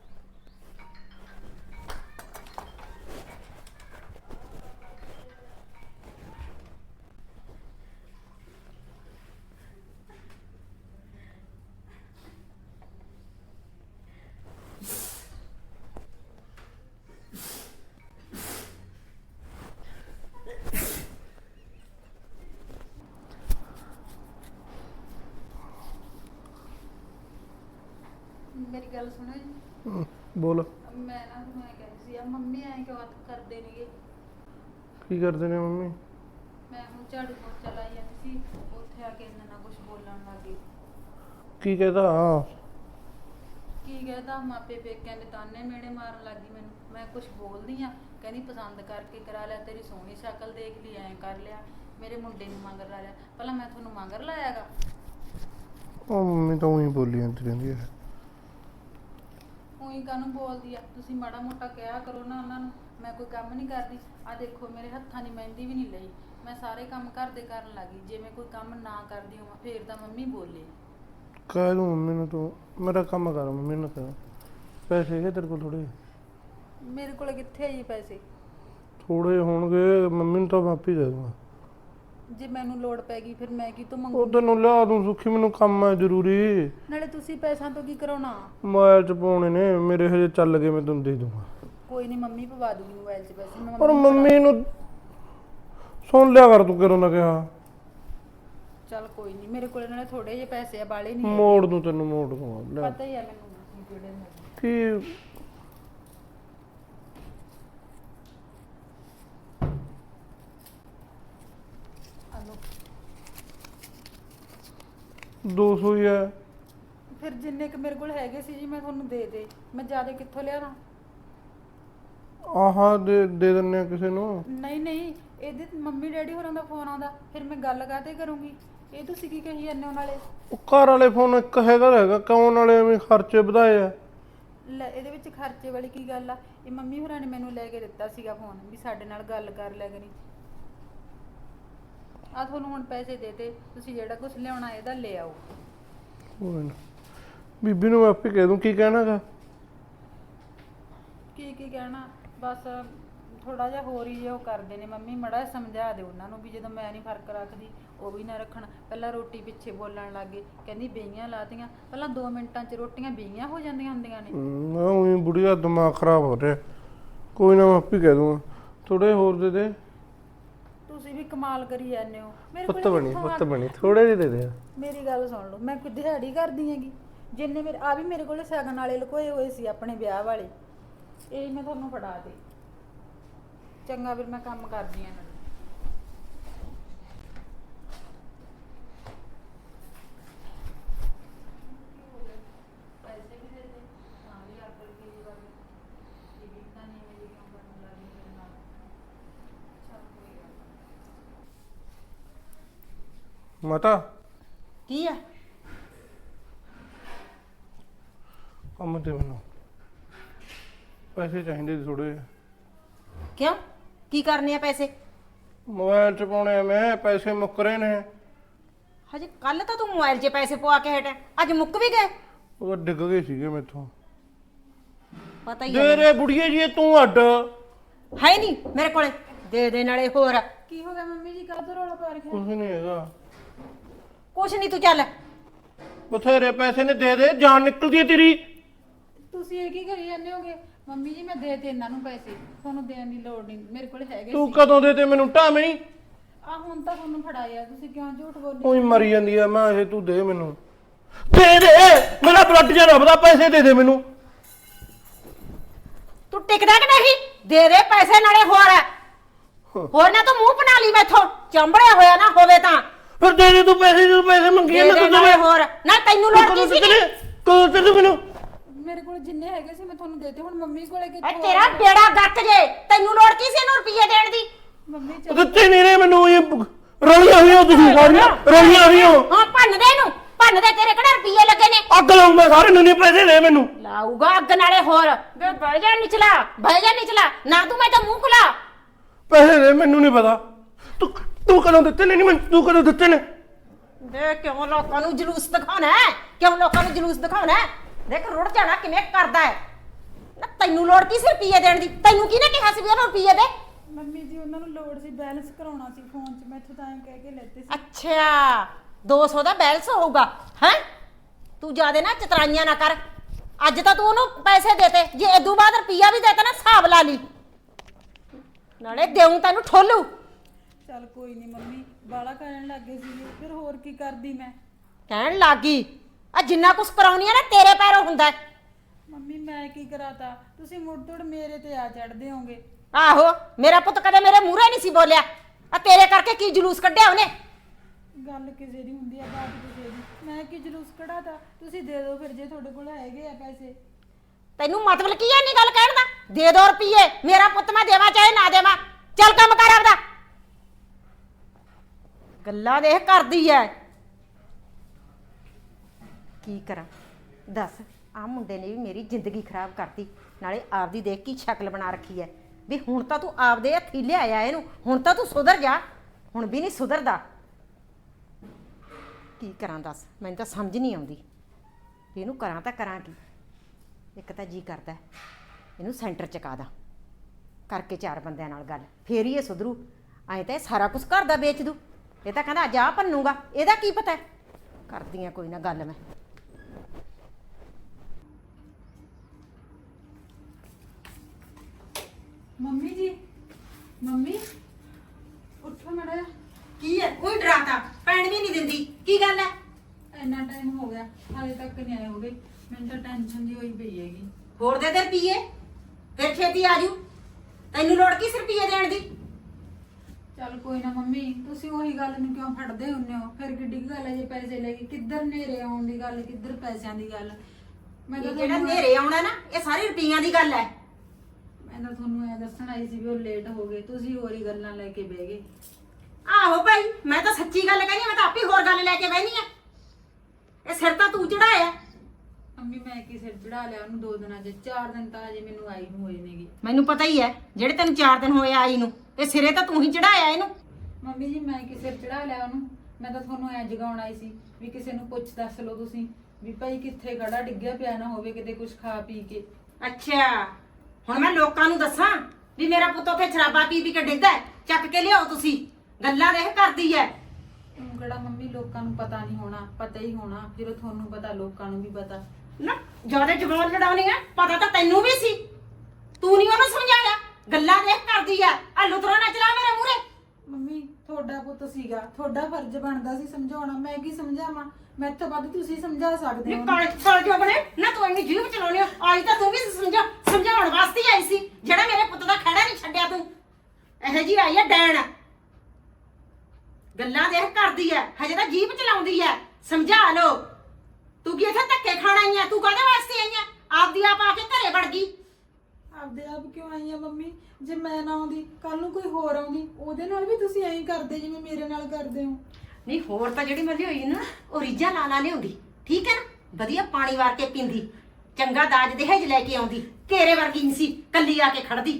ਮੇਰੀ ਗੱਲ ਸੁਣੋ ਜੀ। ਬੋਲ। ਮੈਂ ਨਾ ਮੈਂ ਕਹਿੰਦੀ ਸੀ ਆ ਮੰਮੀ ਐਂ ਕਿਉਂ ਕਰਦੇ ਨੇਗੇ? ਕੀ ਕਰਦੇ ਨੇ ਮੰਮੀ? ਮੈਂ ਹੁਣ ਝਾੜੂ ਪੋਚਾ ਲਾਈ ਜਾਂਦੀ ਸੀ, ਉੱਥੇ ਆ ਕੇ ਇਹਨਾਂ ਨਾਲ ਕੁਝ ਬੋਲਣ ਲੱਗ ਗਈ। ਕੀ ਕਹਦਾ? ਕੀ ਕਹਦਾ? ਮਾਪੇ ਪੇਕਿਆਂ ਦੇ ਤਾਨੇ ਮੇੜੇ ਮਾਰਨ ਲੱਗੀ ਮੈਨੂੰ। ਮੈਂ ਕੁਝ ਬੋਲਦੀ ਆ, ਕਹਿੰਦੀ ਪਸੰਦ ਕਰਕੇ ਕਰਾ ਲਿਆ, ਤੇਰੀ ਸੋਹਣੀ ਸ਼ਕਲ ਦੇਖ ਲਈ, ਐਂ ਕਰ ਲਿਆ, ਮੇਰੇ ਮੁੰਡੇ ਨੂੰ ਮੰਗਰ ਲਾ ਲਿਆ। ਪਹਿਲਾਂ ਮੈਂ ਤੁਹਾਨੂੰ ਮੰਗਰ ਲਾਇਆਗਾ? ਉਹ ਮੰਮੀ ਤਾਂ ਉਹੀ ਬੋਲੀ ਜਾਂਦੀ ਰਹਿੰਦੀ ਹੈ। ਉਹੀ ਕਾਹਨੂੰ ਬੋਲਦੀ ਆ? ਤੁਸੀਂ ਮਾੜਾ ਮੋਟਾ ਕਿਹਾ ਕਰੋ ਨਾ ਉਹਨਾਂ ਨੂੰ। ਮੈਂ ਕੋਈ ਕੰਮ ਨਹੀਂ ਕਰਦੀ। ਆ ਦੇਖੋ ਮੇਰੇ ਹੱਥਾਂ ਦੀ ਮਹਿੰਦੀ ਵੀ ਨਹੀਂ ਲਈ, ਮੈਂ ਸਾਰੇ ਕੰਮ ਘਰ ਦੇ ਕਰਨ ਲੱਗੀ। ਜੇ ਮੈਂ ਕੋਈ ਕੰਮ ਨਾ ਕਰਦੀ ਹੋਵਾਂ ਫੇਰ ਤਾਂ ਮੰਮੀ ਬੋਲੇ। ਕਹਿ ਦੂੰ ਮੰਮੀ ਨੂੰ ਤੂੰ ਮੇਰਾ ਕੰਮ ਕਰ, ਮੰਮੀ ਨੂੰ ਕਹਿ। ਪੈਸੇ ਹੈਗੇ ਤੇਰੇ ਕੋਲ ਥੋੜੇ? ਮੇਰੇ ਕੋਲ ਕਿੱਥੇ ਆ ਜੀ ਪੈਸੇ? ਥੋੜੇ ਹੋਣਗੇ, ਮੰਮੀ ਨੂੰ ਤਾਂ ਮੈਂ ਆਪੇ ਦੇ ਦੂੰਗਾ। ਜੇ ਮੈਨੂੰ ਲੋੜ ਪੈ ਗਈ ਫਿਰ ਮੈਂ ਕੀ ਤੋਂ ਉਹ ਮੰਗੂ? ਤੈਨੂੰ ਲਿਆ ਦੂੰ ਸੁੱਖੀ, ਮੈਨੂੰ ਕੰਮ ਹੈ ਜ਼ਰੂਰੀ। ਨਾਲੇ ਤੁਸੀਂ ਪੈਸਿਆਂ ਤੋਂ ਕੀ ਕਰਾਉਣਾ? ਮੋਬਾਈਲ 'ਚ ਪਾਉਣੇ ਨੇ ਮੇਰੇ, ਹਜੇ ਚੱਲ ਗਏ, ਮੈਂ ਤੈਨੂੰ ਦੇ ਦੂੰਗਾ। ਕੋਈ ਨਹੀਂ ਮੰਮੀ ਪਵਾ ਦੂਗੀ ਮੋਬਾਈਲ 'ਚ ਪੈਸੇ। ਮੈਂ ਪਰ ਮੰਮੀ ਨੂੰ ਮੰਮੀ ਨੂੰ ਸੁਣ ਲਿਆ ਕਰ ਤੂੰ, ਕਿਰੋਂ ਨਾ ਕਿਹਾ। ਚੱਲ ਕੋਈ ਨਹੀਂ, ਮੇਰੇ ਕੋਲ ਨਾਲੇ ਥੋੜੇ ਜਿਹੇ ਪੈਸੇ ਆ, ਬਾਲੇ ਨਹੀਂ। ਮੋੜ ਦੂੰ ਤੈਨੂੰ, ਮੋੜ ਦੂੰਗਾ। ਲੈ ਪਤਾ ਹੀ ਆ ਮੈਨੂੰ ਕਿਹੜੇ ਨੇ। ਕੀ ਆਲੋ ਦੋ ਸੌ ਹੀ ਹੈ। ਫਿਰ ਜਿੰਨੇ ਕ ਮੇਰੇ ਕੋਲ ਹੈਗੇ ਸੀ ਜੀ ਮੈਂ ਤੁਹਾਨੂੰ ਦੇ ਦੇ। ਮੈਂ ਜ਼ਿਆਦਾ ਕਿੱਥੋਂ ਲਿਆਣਾ? ਆਹਾਂ ਦੇ ਦੇ ਦਿੰਨੇ ਆ ਕਿਸੇ ਨੂੰ। ਨਹੀਂ ਨਹੀਂ, ਇਹਦੇ ਮੰਮੀ ਡੈਡੀ ਹੋਰਾਂ ਦਾ ਫੋਨ ਆਉਂਦਾ, ਫਿਰ ਮੈਂ ਗੱਲ ਕਾਹਤੇ ਕਰੂੰਗੀ? ਇਹ ਤੁਸੀਂ ਕੀ ਕਹੀ ਜਾਂਦੇ ਹੋ? ਨਾਲੇ ਉਹ ਘਰ ਵਾਲੇ ਫੋਨ ਇੱਕ ਹੈਗਾ ਤਾਂ ਹੈਗਾ, ਕਿਉਂ ਨਾਲੇ ਐਵੇਂ ਖਰਚੇ ਵਧਾਏ ਆ? ਲੈ ਇਹਦੇ ਵਿੱਚ ਖਰਚੇ ਵਾਲੀ ਕੀ ਗੱਲ ਆ? ਇਹ ਮੰਮੀ ਹੋਰਾਂ ਨੇ ਮੈਨੂੰ ਲੈ ਕੇ ਦਿੱਤਾ ਸੀਗਾ ਫੋਨ, ਵੀ ਸਾਡੇ ਨਾਲ ਗੱਲ ਕਰ ਲਿਆ ਕਰੀ। ਆ ਤੁਹਾਨੂੰ ਹੁਣ ਪੈਸੇ ਦੇ ਦੇ, ਤੁਸੀਂ ਜਿਹੜਾ ਕੁਝ ਲਿਆਉਣਾ ਇਹਦਾ ਲੈ ਆਓ। ਕੋਈ ਨਾ, ਬੀਬੀ ਨੂੰ ਮੈਂ ਆਪੇ ਕਹਿ ਦੂੰ। ਕੀ ਕਹਿਣਾਗਾ? ਕੀ ਕੀ ਕਹਿਣਾ? ਬਸ ਥੋੜਾ ਜਿਹਾ ਹੋਰ ਹੀ ਉਹ ਕਰਦੇ ਨੇ ਮੰਮੀ। ਮੜਾ ਸਮਝਾ ਦਿਓ ਉਹਨਾਂ ਨੂੰ ਵੀ ਜਦੋਂ ਮੈਂ ਨਹੀਂ ਫਰਕ ਰੱਖਦੀ ਉਹ ਵੀ ਨਾ ਰੱਖਣ। ਪਹਿਲਾਂ ਰੋਟੀ ਪਿੱਛੇ ਬੋਲਣ ਲੱਗ ਗਏ, ਕਹਿੰਦੀ ਬੇਈਆਂ ਲਾਤੀਆਂ। ਪਹਿਲਾਂ ਦੋ ਮਿੰਟਾਂ 'ਚ ਰੋਟੀਆਂ ਬੇਈਆਂ ਹੋ ਜਾਂਦੀਆਂ ਹੁੰਦੀਆਂ ਨੇ। ਮੈਂ ਉਹੀ ਬੁੜੀਆ ਦਿਮਾਗ ਖਰਾਬ ਹੋ ਰਿਹਾ। ਕੋਈ ਨਾ, ਮੈਂ ਆਪੇ ਕਹਿ ਦੂੰਗਾ। ਥੋੜੇ ਹੋਰ ਦੇ ਦੇ। ਤੁਸੀਂ ਵੀ ਕਮਾਲ ਕਰੀ ਜਾਂਦੇ ਹੋ। ਮੇਰੇ ਪੁੱਤ ਕੋਲ ਬਣੀ, ਕਿੱਥੋਂ ਪੁੱਤ ਆ- ਬਣੀ, ਥੋੜੇ ਜਿਹੇ ਦੇ ਦੇ। ਮੇਰੀ ਗੱਲ ਸੁਣ ਲਓ, ਮੈਂ ਕੋਈ ਦਿਹਾੜੀ ਕਰਦੀ ਹੈਗੀ? ਜਿੰਨੇ ਮੇਰੇ ਆ ਵੀ ਮੇਰੇ ਕੋਲ ਸ਼ਗਨ ਵਾਲੇ ਲੁਕੋਏ ਹੋਏ ਸੀ ਆਪਣੇ ਵਿਆਹ ਵਾਲੇ, ਇਹ ਮੈਂ ਤੁਹਾਨੂੰ ਫੜਾ ਦੇ। ਚੰਗਾ ਫਿਰ ਮੈਂ ਕੰਮ ਕਰਦੀ ਹਾਂ। ਪੈਸੇ ਵੀ ਦੇ ਦੇ, ਨਾਲ ਹੀ ਅੱਗ ਲੱਗੀ ਮਾਤਾ ਕੀ ਆ? ਕੰਮ ਤੇ ਮੈਨੂੰ ਪੈਸੇ ਚਾਹੀਦੇ ਸੀ ਥੋੜੇ। ਕਿਉਂ? ਕੀ ਕਰਨੇ ਆ ਪੈਸੇ? ਮੋਬਾਈਲ ਚ ਪਾਉਣੇ ਆ, ਮੈਂ ਪੈਸੇ ਮੁੱਕ ਰਹੇ ਨੇ। ਹਜੇ ਕੱਲ ਤਾਂ ਤੂੰ ਮੋਬਾਈਲ 'ਚ ਪੈਸੇ ਪਵਾ ਕੇ ਹਟਿਆ, ਅੱਜ ਮੁੱਕ ਵੀ ਗਏ। ਉਹ ਤਾਂ ਡਿੱਗ ਗਏ ਸੀਗੇ ਮੈਥੋਂ। ਪਤਾ ਹੀ ਦੇ ਹੈ ਰੇ ਬੁੜੀਏ ਜੀ ਤੂੰ ਅੱਡ। ਹੈ ਨਹੀਂ ਮੇਰੇ ਕੋਲੇ, ਦੇ ਦੇ ਨਾਲੇ ਹੋਰ। ਕੀ ਹੋ ਗਿਆ ਮੰਮੀ ਜੀ, ਕਾਹਤੋਂ ਰੌਲਾ ਪਾ ਰੱਖਿਆ? ਕੁਛ ਨਹੀਂ ਹੈਗਾ, ਕੁਛ ਨਹੀਂ, ਤੂੰ ਚੱਲ। ਬਥੇਰੇ ਪੈਸੇ ਨੇ, ਦੇ ਦੇ, ਜਾਨ ਨਿਕਲਦੀ ਹੈ ਤੇਰੀ। ਤੁਸੀਂ ਇਹ ਕੀ ਕਰੀ ਜਾਂਦੇ ਹੋਗੇ? ਮੰਮੀ ਜੀ ਮੈਂ ਦੇ ਤੇ ਇਹਨਾਂ ਨੂੰ ਪੈਸੇ, ਤੁਹਾਨੂੰ ਦੇਣ ਦੀ ਲੋੜ ਨਹੀਂ, ਮੇਰੇ ਕੋਲ ਹੈਗੇ ਤੂੰ ਸੀ। ਕਦੋਂ ਦੇ ਤੇ ਮੈਨੂੰ ਢਾਵੇਂ? ਆ ਹੁਣ ਤਾਂ ਤੁਹਾਨੂੰ ਫੜਾਏ ਆ, ਤੁਸੀਂ ਕਿਉਂ ਝੂਠ ਬੋਲੇ? ਉਹੀ ਮਰੀ ਜਾਂਦੀ ਆ। ਮੈਂ ਇਹ ਤੂੰ ਦੇ ਮੈਨੂੰ, ਦੇ ਦੇ, ਮੇਰਾ ਬਲੱਡ ਜਿਹਾ ਰੱਬਦਾ, ਪੈਸੇ ਦੇ ਦੇ ਮੈਨੂੰ। ਤੂੰ ਟਿਕਦਾ ਕਿ ਨਹੀਂ? ਦੇ ਦੇ ਪੈਸੇ ਨਾਲੇ ਹੋਰ। ਹੋਰ ਨਾ ਤੂੰ ਮੂੰਹ ਬਣਾ ਲਈ ਮੈਥੋਂ, ਚੰਬੜਿਆ ਹੋਇਆ ਨਾ ਹੋਵੇ ਤਾਂ। ਫਿਰ ਦੇ ਦੇ ਤੂੰ ਪੈਸੇ, ਜਦੋਂ ਪੈਸੇ ਮੰਗੀ ਦੇ ਨਾ ਦੇ ਤੂੰ ਨਾਲੇ ਦੇ। ਹੋਰ। ਨਾ ਤੈਨੂੰ ਲੋੜ ਕੀ ਸੀ? ਕਦੋਂ ਤੇ ਤੂੰ ਮੈਨੂੰ ਮੇਰੇ ਕੋਲ ਜਿੰਨੇ ਹੈਗੇ ਸੀ ਮੈਂ ਤੁਹਾਨੂੰ ਦੇਤੇ, ਹੁਣ ਮੰਮੀ ਕੋਲੇ ਐ ਕਿੱਥੋਂ? ਤੇਰਾ ਬੇੜਾ ਗੱਕ ਜੇ, ਤੈਨੂੰ ਲੋੜ ਕੀ ਸੀ ਇਹਨੂੰ ਰੁਪਈਏ ਦੇਣ ਦੀ? ਮੰਮੀ ਚੱਲ ਦਿੱਤੇ ਨਹੀਂ ਰੇ ਮੈਨੂੰ। ਇਹ ਰੋਲੀਆਂ ਹੋਈਆਂ ਤੁਸੀਂ ਸਾਰੀਆਂ, ਰੋਲੀਆਂ ਹੋਈਆਂ। ਹਾਂ ਭੰਨ ਦੇ ਇਹਨੂੰ, ਭੰਨ ਦੇ, ਤੇਰੇ ਕਿਹੜੇ ਰੁਪਈਏ ਲੱਗੇ ਨੇ? ਅੱਗ ਲਾਉਂ ਮੈਂ ਸਾਰੇ ਨੂੰ, ਨਹੀਂ ਪੈਸੇ ਦੇ ਮੈਨੂੰ। ਲਾਊਗਾ ਅੱਗ ਨਾਲੇ ਹੋਰ। ਵੇ ਬਹਿ ਜਾ ਨਿਚਲਾ, ਬਹਿ ਜਾ ਨਿਚਲਾ, ਨਾ ਤੂੰ ਮੈਂ ਤਾਂ ਮੂੰਹ ਖੁਲਾ। ਪੈਸੇ ਦੇ, ਮੈਨੂੰ ਨਹੀਂ ਪਤਾ। ਤੂੰ ਤੂੰ ਕਦੋਂ ਦਿੱਤੇ ਨੇ? ਨਹੀਂ ਮੈਨੂੰ ਤੂੰ ਕਦੋਂ ਦਿੱਤੇ ਨੇ? ਵੇ ਕਿਉਂ ਲੋਕਾਂ ਨੂੰ ਜਲੂਸ ਦਿਖਾਉਣਾ ਹੈ? ਕਿਉਂ ਲੋਕਾਂ ਨੂੰ ਜਲੂਸ ਦਿਖਾਉਣਾ ਹੈ? ਦੇਖ ਰੁੜ ਜਾਣਾ ਕਿਵੇਂ ਕਰਦਾ ਹੈ ਨਾ। ਤੈਨੂੰ ਲੋੜ ਕੀ ਸੀ ਰੁਪਈਏ ਦੇਣ ਦੀ? ਤੈਨੂੰ ਕਿਹਨੇ ਕਿਹਾ ਸੀ ਵੀ ਉਹਨੂੰ ਰੁਪਈਏ ਦੇ? ਮੰਮੀ ਜੀ ਉਹਨਾਂ ਨੂੰ ਲੋੜ ਸੀ, ਬੈਲੈਂਸ ਕਰਾਉਣਾ ਸੀ ਫੋਨ 'ਚ, ਮੈਂ ਇੱਥੋਂ ਤਾਂ ਐਂ ਕਹਿ ਕੇ ਲੈਤੇ ਸੀ। ਅੱਛਾ ਦੋ ਸੌ ਦਾ ਬੈਲੈਂਸ ਹੋਊਗਾ ਹੈ? ਤੂੰ ਜਿਆਦੇ ਨਾ ਚਤਰਾਈਆਂ ਨਾ ਕਰ। ਅੱਜ ਤਾਂ ਤੂੰ ਉਹਨੂੰ ਪੈਸੇ ਦੇਤੇ, ਜੇ ਇਦੋਂ ਬਾਅਦ ਰੁਪਈਆ ਵੀ ਦੇਤਾ ਨਾ ਹਿਸਾਬ ਲਾ ਲਈ, ਨਾਲੇ ਦੇਉਂ ਤੈਨੂੰ ਠੋਲੂ। ਚੱਲ ਕੋਈ ਨਹੀਂ ਮੰਮੀ, ਬਾਲਾ ਕਰਨ ਲੱਗ ਗਏ ਸੀ, ਫਿਰ ਹੋਰ ਕੀ ਕਰਦੀ ਮੈਂ? ਕਹਿਣ ਲੱਗੀ ਆ ਜਿੰਨਾ ਕੁਛ ਕਰਾਉਣੀ ਆ ਨਾ ਤੇਰੇ ਪੈਰੋਂ ਹੁੰਦਾ ਹੈ। ਮੰਮੀ ਮੈਂ ਕੀ ਕਰਾਤਾ? ਤੁਸੀਂ ਮੁੜ ਤੁੜ ਮੇਰੇ ਤੇ ਆ ਚੜਦੇ ਹੋਗੇ। ਆਹੋ ਮੇਰਾ ਪੁੱਤ ਕਦੇ ਮੇਰੇ ਮੂਹਰੇ ਨਹੀਂ ਸੀ ਬੋਲਿਆ, ਆ ਤੇਰੇ ਕਰਕੇ ਕੀ ਜਲੂਸ ਕੱਢਿਆ ਉਹਨੇ। ਗੱਲ ਕਿਸੇ ਦੀ ਹੁੰਦੀ ਆ, ਬਾਤ ਕਿਸੇ ਦੀ। ਮੈਂ ਕੀ ਜਲੂਸ ਕਢਾਤਾ? ਤੁਸੀਂ ਦੇ ਦਿਓ ਫਿਰ, ਜੇ ਤੁਹਾਡੇ ਕੋਲ ਹੈਗੇ ਆ ਪੈਸੇ। ਤੈਨੂੰ ਮਤਲਬ ਕੀ ਹੈ ਨਹੀਂ ਗੱਲ ਕਹਿਣ ਦਾ? ਦੇ ਦੋ ਰੁਪਈਏ, ਮੇਰਾ ਪੁੱਤ ਮੈਂ ਦੇਵਾਂ ਚਾਹੇ ਨਾ ਦੇਵਾਂ। ਚੱਲ ਕੰਮ ਕਰ ਆਪਦਾ। ਗੱਲਾਂ ਦੇਖ ਕਰਦੀ ਐ। ਕੀ ਕਰਾਂ ਦੱਸ? ਆ ਮੁੰਡੇ ਨੇ ਵੀ ਮੇਰੀ ਜ਼ਿੰਦਗੀ ਖਰਾਬ ਕਰਤੀ, ਨਾਲੇ ਆਪਦੀ ਦੇਖ ਕੀ ਸ਼ਕਲ ਬਣਾ ਰੱਖੀ ਐ। ਵੀ ਹੁਣ ਤਾਂ ਤੂੰ ਆਪਦੇ ਹੱਥੀ ਲਿਆਇਆ ਇਹਨੂੰ, ਹੁਣ ਤਾਂ ਤੂੰ ਸੁਧਰ ਜਾ। ਹੁਣ ਵੀ ਨਹੀਂ ਸੁਧਰਦਾ। ਕੀ ਕਰਾਂ ਦੱਸ? ਮੈਨੂੰ ਤਾਂ ਸਮਝ ਨਹੀਂ ਆਉਂਦੀ ਵੀ ਇਹਨੂੰ ਕਰਾਂ ਤਾਂ ਕਰਾਂ ਕੀ। ਇੱਕ ਤਾਂ ਜੀ ਕਰਦਾ ਇਹਨੂੰ ਸੈਂਟਰ ਚਕਾ ਦਾਂ, ਕਰਕੇ ਚਾਰ ਬੰਦਿਆਂ ਨਾਲ ਗੱਲ, ਫੇਰ ਹੀ ਇਹ ਸੁਧਰੂ। ਐਂ ਤਾਂ ਇਹ ਸਾਰਾ ਕੁਝ ਘਰ ਦਾ ਵੇਚ ਦੂ। ਇਹ ਤਾਂ ਕਹਿੰਦਾ ਅੱਜ ਆਹ ਭੰਨੂਗਾ, ਇਹਦਾ ਕੀ ਪਤਾ? ਕਰਦੀ ਆ ਕੋਈ ਨਾ ਗੱਲ ਮੈਂ। ਮੰਮੀ ਜੀ, ਮੰਮੀ ਉੱਠੋ ਮੜਾ। ਕੀ ਹੈ? ਕੋਈ ਡਰਾਤਾ ਪੈਣ ਵੀ ਨਹੀਂ ਦਿੰਦੀ, ਕੀ ਗੱਲ ਹੈ? ਇੰਨਾ ਟਾਈਮ ਹੋ ਗਿਆ, ਹਾਲੇ ਤੱਕ ਨਹੀਂ ਆਏ ਹੋਗੇ। ਮੈਨੂੰ ਤਾਂ ਟੈਨਸ਼ਨ ਦੀ ਹੋਈ ਪਈ ਹੈਗੀ। ਹੋਰ ਦੇ ਦੇ ਰੁਪਈਏ, ਫਿਰ ਛੇਤੀ ਆ ਜੂ। ਤੈਨੂੰ ਲੋੜ ਕੀ ਰੁਪਈਏ ਦੇਣ ਦੀ? ਚੱਲ ਕੋਈ ਨਾ ਮੰਮੀ, ਤੁਸੀਂ ਉਹੀ ਗੱਲ ਨੂੰ ਕਿਉਂ ਫੜਦੇ ਹੁੰਨੇ ਹੋ? ਫਿਰ ਕਿੱਡੀ ਕੁ ਗੱਲ ਹੈ ਜੇ ਪੈਸੇ ਲੈ ਕੇ? ਕਿੱਧਰ ਨੇਰੇ ਆਉਣ ਦੀ ਗੱਲ, ਕਿੱਧਰ ਪੈਸਿਆਂ ਦੀ ਗੱਲ? ਮੈਂ ਤਾਂ ਇਹ ਜਿਹੜਾ ਤੁਹਾਨੂੰ ਹਨੇਰੇ ਆਉਣਾ ਨਾ, ਇਹ ਸਾਰੀ ਰੁਪਈਆਂ ਦੀ ਗੱਲ ਹੈ। ਮੈਂ ਤਾਂ ਤੁਹਾਨੂੰ ਐ ਦੱਸਣ ਆਈ ਸੀ ਵੀ ਉਹ ਲੇਟ ਹੋ ਗਏ, ਤੁਸੀਂ ਹੋਰ ਹੀ ਗੱਲਾਂ ਲੈ ਕੇ ਬਹਿ ਗਏ। ਆਹੋ ਭਾਈ, ਮੈਂ ਤਾਂ ਸੱਚੀ ਗੱਲ ਕਹਿੰਦੀ, ਮੈਂ ਤਾਂ ਆਪੇ ਹੋਰ ਗੱਲ ਲੈ ਕੇ ਬਹਿਨੀ ਆ। ਇਹ ਸਿਰ ਤਾਂ ਤੂੰ ਚੜਾਇਆ। ਮੰਮੀ ਮੈਂ ਕੀ ਸਿਰ ਚੜਾ ਲਿਆ ਉਹਨੂੰ ਦੋ ਦਿਨਾਂ 'ਚ? ਚਾਰ ਦਿਨ ਤਾਂ ਅਜੇ ਮੈਨੂੰ ਆਈ ਨੂੰ ਹੋਏ ਨੇਗੇ। ਮੈਨੂੰ ਪਤਾ ਹੀ ਹੈ, ਜਿਹੜੇ ਤੈਨੂੰ ਚਾਰ ਦਿਨ ਹੋਏ ਆਈ ਨੂੰ, ਤੇ ਸਿਰੇ ਤਾਂ ਤੂੰ ਹੀ ਚੜਾਇਆ ਇਹਨੂੰ। ਮੰਮੀ ਜੀ ਮੈਂ ਕੀ ਸਿਰ ਚੜਾ ਲਿਆ ਉਹਨੂੰ? ਮੈਂ ਤਾਂ ਤੁਹਾਨੂੰ ਐ ਜਗਾਉਣ ਆਈ ਸੀ ਵੀ ਕਿਸੇ ਨੂੰ ਪੁੱਛ ਦੱਸ ਲਓ ਤੁਸੀਂ ਵੀ ਭਾਈ ਕਿੱਥੇ ਖੜਾ ਡਿੱਗਿਆ ਪਿਆ ਨਾ ਹੋਵੇ ਕਿਤੇ ਕੁਝ ਖਾ ਪੀ ਕੇ। ਅੱਛਾ ਹੁਣ ਮੈਂ ਲੋਕਾਂ ਨੂੰ ਦੱਸਾਂ ਵੀ ਮੇਰਾ ਪੁੱਤ ਉੱਥੇ ਸ਼ਰਾਬਾ ਪੀ ਪੀ ਕੇ ਡਿੱਗਦਾ ਹੈ? ਚੱਕ ਕੇ ਲਿਆਓ ਤੁਸੀਂ, ਗੱਲਾਂ ਦੇਖ ਕਰਦੀ ਐ। ਹੁਣ ਕਿਹੜਾ ਮੰਮੀ ਲੋਕਾਂ ਨੂੰ ਪਤਾ ਨਹੀਂ ਹੋਣਾ, ਪਤਾ ਹੀ ਹੋਣਾ। ਜਦੋਂ ਤੁਹਾਨੂੰ ਪਤਾ ਲੋਕਾਂ ਨੂੰ ਵੀ ਪਤਾ ਨਾ ਜਿਆਦਾ ਜ਼ਬਾਨ ਲੜਾਉਣੀ ਐ, ਪਤਾ ਤਾਂ ਤੈਨੂੰ ਵੀ ਸੀ, ਤੂੰ ਨਹੀਂ ਉਹਨੂੰ ਸਮਝਾਇਆ। ਗੱਲਾਂ ਦੇਖ ਕਰਦੀ ਐ, ਆ ਲੁਤਰਾ ਨਾ ਚਲਾ ਮੇਰੇ ਮੂਹਰੇ। ਮੰਮੀ ਤੁਹਾਡਾ ਪੁੱਤ ਸੀਗਾ, ਤੁਹਾਡਾ ਫਰਜ਼ ਬਣਦਾ ਸੀ ਸਮਝਾਉਣਾ। ਮੈਂ ਕੀ ਸਮਝਾਵਾਂ? ਮੈਥੋਂ ਵੱਧ ਤੁਸੀਂ ਸਮਝਾ ਸਕਦੇ ਨੀ ਹੋ। ਕਾਲੇ ਸਾਲ ਜੋ ਬਣੇ ਨਾ, ਤੂੰ ਇੰਨੀ ਜੀਭ ਚਲਾਉਣੀ ਆ। ਆਈ ਤਾਂ ਤੂੰ ਵੀ ਸਮਝਾ ਸਮਝਾਉਣ ਵਾਸਤੇ ਹੀ ਆਈ ਸੀ, ਜਿਹੜਾ ਮੇਰੇ ਪੁੱਤ ਦਾ ਖੜਾ ਨਹੀਂ ਛੱਡਿਆ ਤੂੰ। ਇਹੋ ਜੀ ਆਈ ਐ ਡੈਣ, ਗੱਲਾਂ ਦੇਖ ਕਰਦੀ ਐ, ਹਜੇ ਤਾਂ ਜੀਭ ਚਲਾਉਂਦੀ ਐ। ਸਮਝਾ ਲੋ। ਤੂੰ ਕੀ ਇੱਥੇ ਧੱਕੇ ਖਾਣ ਆਈ ਐ? ਤੂੰ ਕਾਹਦੇ ਵਾਸਤੇ ਆਈ ਐ? ਆਪਦੀ ਆਪ ਆ ਕੇ ਘਰੇ ਵੜ ਗਈ। ਆਪਦੇ ਆਪ ਕਿਉਂ ਆਈ ਆ ਮੰਮੀ? ਜੇ ਮੈਂ ਨਾ ਆਉਂਦੀ, ਕੱਲ ਨੂੰ ਕੋਈ ਹੋਰ ਆਉਂਦੀ, ਉਹਦੇ ਨਾਲ ਵੀ ਤੁਸੀਂ ਐਂ ਕਰਦੇ ਜਿਵੇਂ ਮੇਰੇ ਨਾਲ ਕਰਦੇ ਹੋ। ਨਹੀਂ ਹੋਰ ਤਾਂ ਜਿਹੜੀ ਮੈਂ ਲਿਆਈ ਨਾ ਉਹ ਰੀਝਾਂ ਲਾ ਲਾ ਲਿਆਉਂਦੀ, ਠੀਕ ਹੈ ਨਾ, ਵਧੀਆ ਪਾਣੀ ਵਾਰ ਕੇ ਪੀਂਦੀ, ਚੰਗਾ ਦਾਜ ਦਹੇਜ ਲੈ ਕੇ ਆਉਂਦੀ, ਤੇਰੇ ਵਰਗੀ ਨਹੀਂ ਸੀ ਕੱਲੀ ਆ ਕੇ ਖੜਦੀ।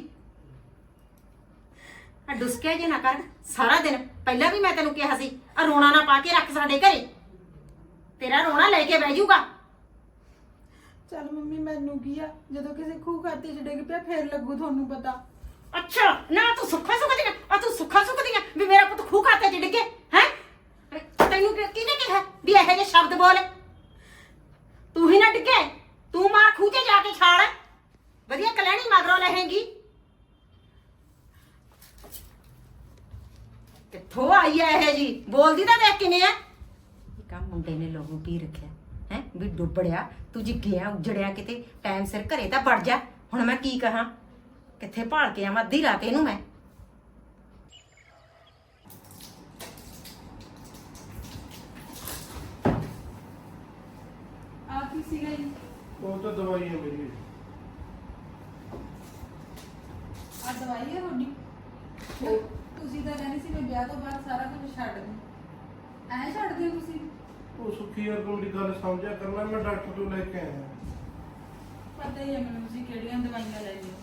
ਆ ਡੁਸਕਿਆ ਜੇ ਨਾ ਕਰ ਸਾਰਾ ਦਿਨ। ਪਹਿਲਾਂ ਵੀ ਮੈਂ ਤੈਨੂੰ ਕਿਹਾ ਸੀ ਆ ਰੋਣਾ ਨਾ ਪਾ ਕੇ ਰੱਖ ਸਾਡੇ ਘਰੇ, ਤੇਰਾ ਰੋਣਾ ਲੈ ਕੇ ਬਹਿ ਜਾਊਗਾ। ਚੱਲ ਮੰਮੀ ਮੈਨੂੰ ਕੀ ਆ, ਜਦੋਂ ਕਿਸੇ ਖੂਹ ਖਾਤੇ ਚ ਡਿੱਗ ਪਿਆ ਫੇਰ ਲੱਗੂ ਤੁਹਾਨੂੰ ਪਤਾ। ਅੱਛਾ ਨਾ ਤੂੰ ਸੁੱਖਾ ਸੁੱਖਦੀ ਆ, ਆ ਤੂੰ ਸੁੱਖਾ ਸੁੱਖਦੀ ਆ ਵੀ ਮੇਰਾ ਪੁੱਤ ਖੂਹ ਖਾਤੇ ਚ ਡਿੱਗੇ ਹੈ। ਤੈਨੂੰ ਕਿ- ਕਿਹਨੇ ਕਿਹਾ ਵੀ ਇਹੋ ਜਿਹੇ ਸ਼ਬਦ ਬੋਲ? ਤੂੰ ਹੀ ਨਾ ਡਿੱਗੇ, ਤੂੰ ਮਾਰ ਖੂਹ ਤੇ ਜਾ ਕੇ ਛਾਲ, ਵਧੀਆ ਕਲੈਣੀ ਮਗਰੋਂ ਲਹੇਂਗੀ। ਕਿੱਥੋਂ ਆਈ ਐ ਇਹ ਜੀ? ਬੋਲਦੀ ਤਾਂ ਦੇਖ ਕਿਵੇਂ ਐ। ਕਾ ਮੁੰਡੇ ਨੇ ਲੋਹੂ ਪੀ ਰੱਖਿਆ ਹੈ ਵੀ ਡੁੱਬੜਿਆ, ਤੂੰ ਜੀ ਗਿਆ ਉਜੜਿਆ ਕਿਤੇ ਟਾਈਮ ਸਿਰ ਘਰੇ ਤਾਂ ਵੜ ਜਾ। ਹੁਣ ਮੈਂ ਕੀ ਕਹਾਂ, ਕਿੱਥੇ ਭਾਲ ਕੇ ਆਵਾਂ ਅੱਧੀ ਰਾਤ ਇਹਨੂੰ ਮੈਂ। ਆ ਕੀ ਸੀਗਾ ਜੀ? ਉਹ ਤਾਂ ਦਵਾਈ ਹੈ ਮੇਰੀ। ਆ ਦਵਾਈ ਹੈ ਤੁਹਾਡੀ? ਤੁਸੀਂ ਤਾਂ ਕਹਿੰਦੇ ਸੀ ਮੈਂ ਵਿਆਹ ਤੋਂ ਬਾਅਦ ਸਾਰਾ ਕੁਝ ਛੱਡ ਦੂੰ, ਐਂ ਛੱਡ ਦਿਓ ਤੁਸੀਂ? ਉਹ ਸੁੱਖੀ ਯਾਰ ਤੂੰ ਮੇਰੀ ਗੱਲ ਸਮਝਿਆ ਕਰਨਾ, ਮੈਂ ਡਾਕਟਰ ਤੋਂ ਲੈ ਕੇ ਆਇਆ। ਪਤਾ ਹੀ ਹੈ ਮੈਨੂੰ ਤੁਸੀਂ ਕਿਹੜੀਆਂ ਦਵਾਈਆਂ ਲੈ ਲਈਆਂ।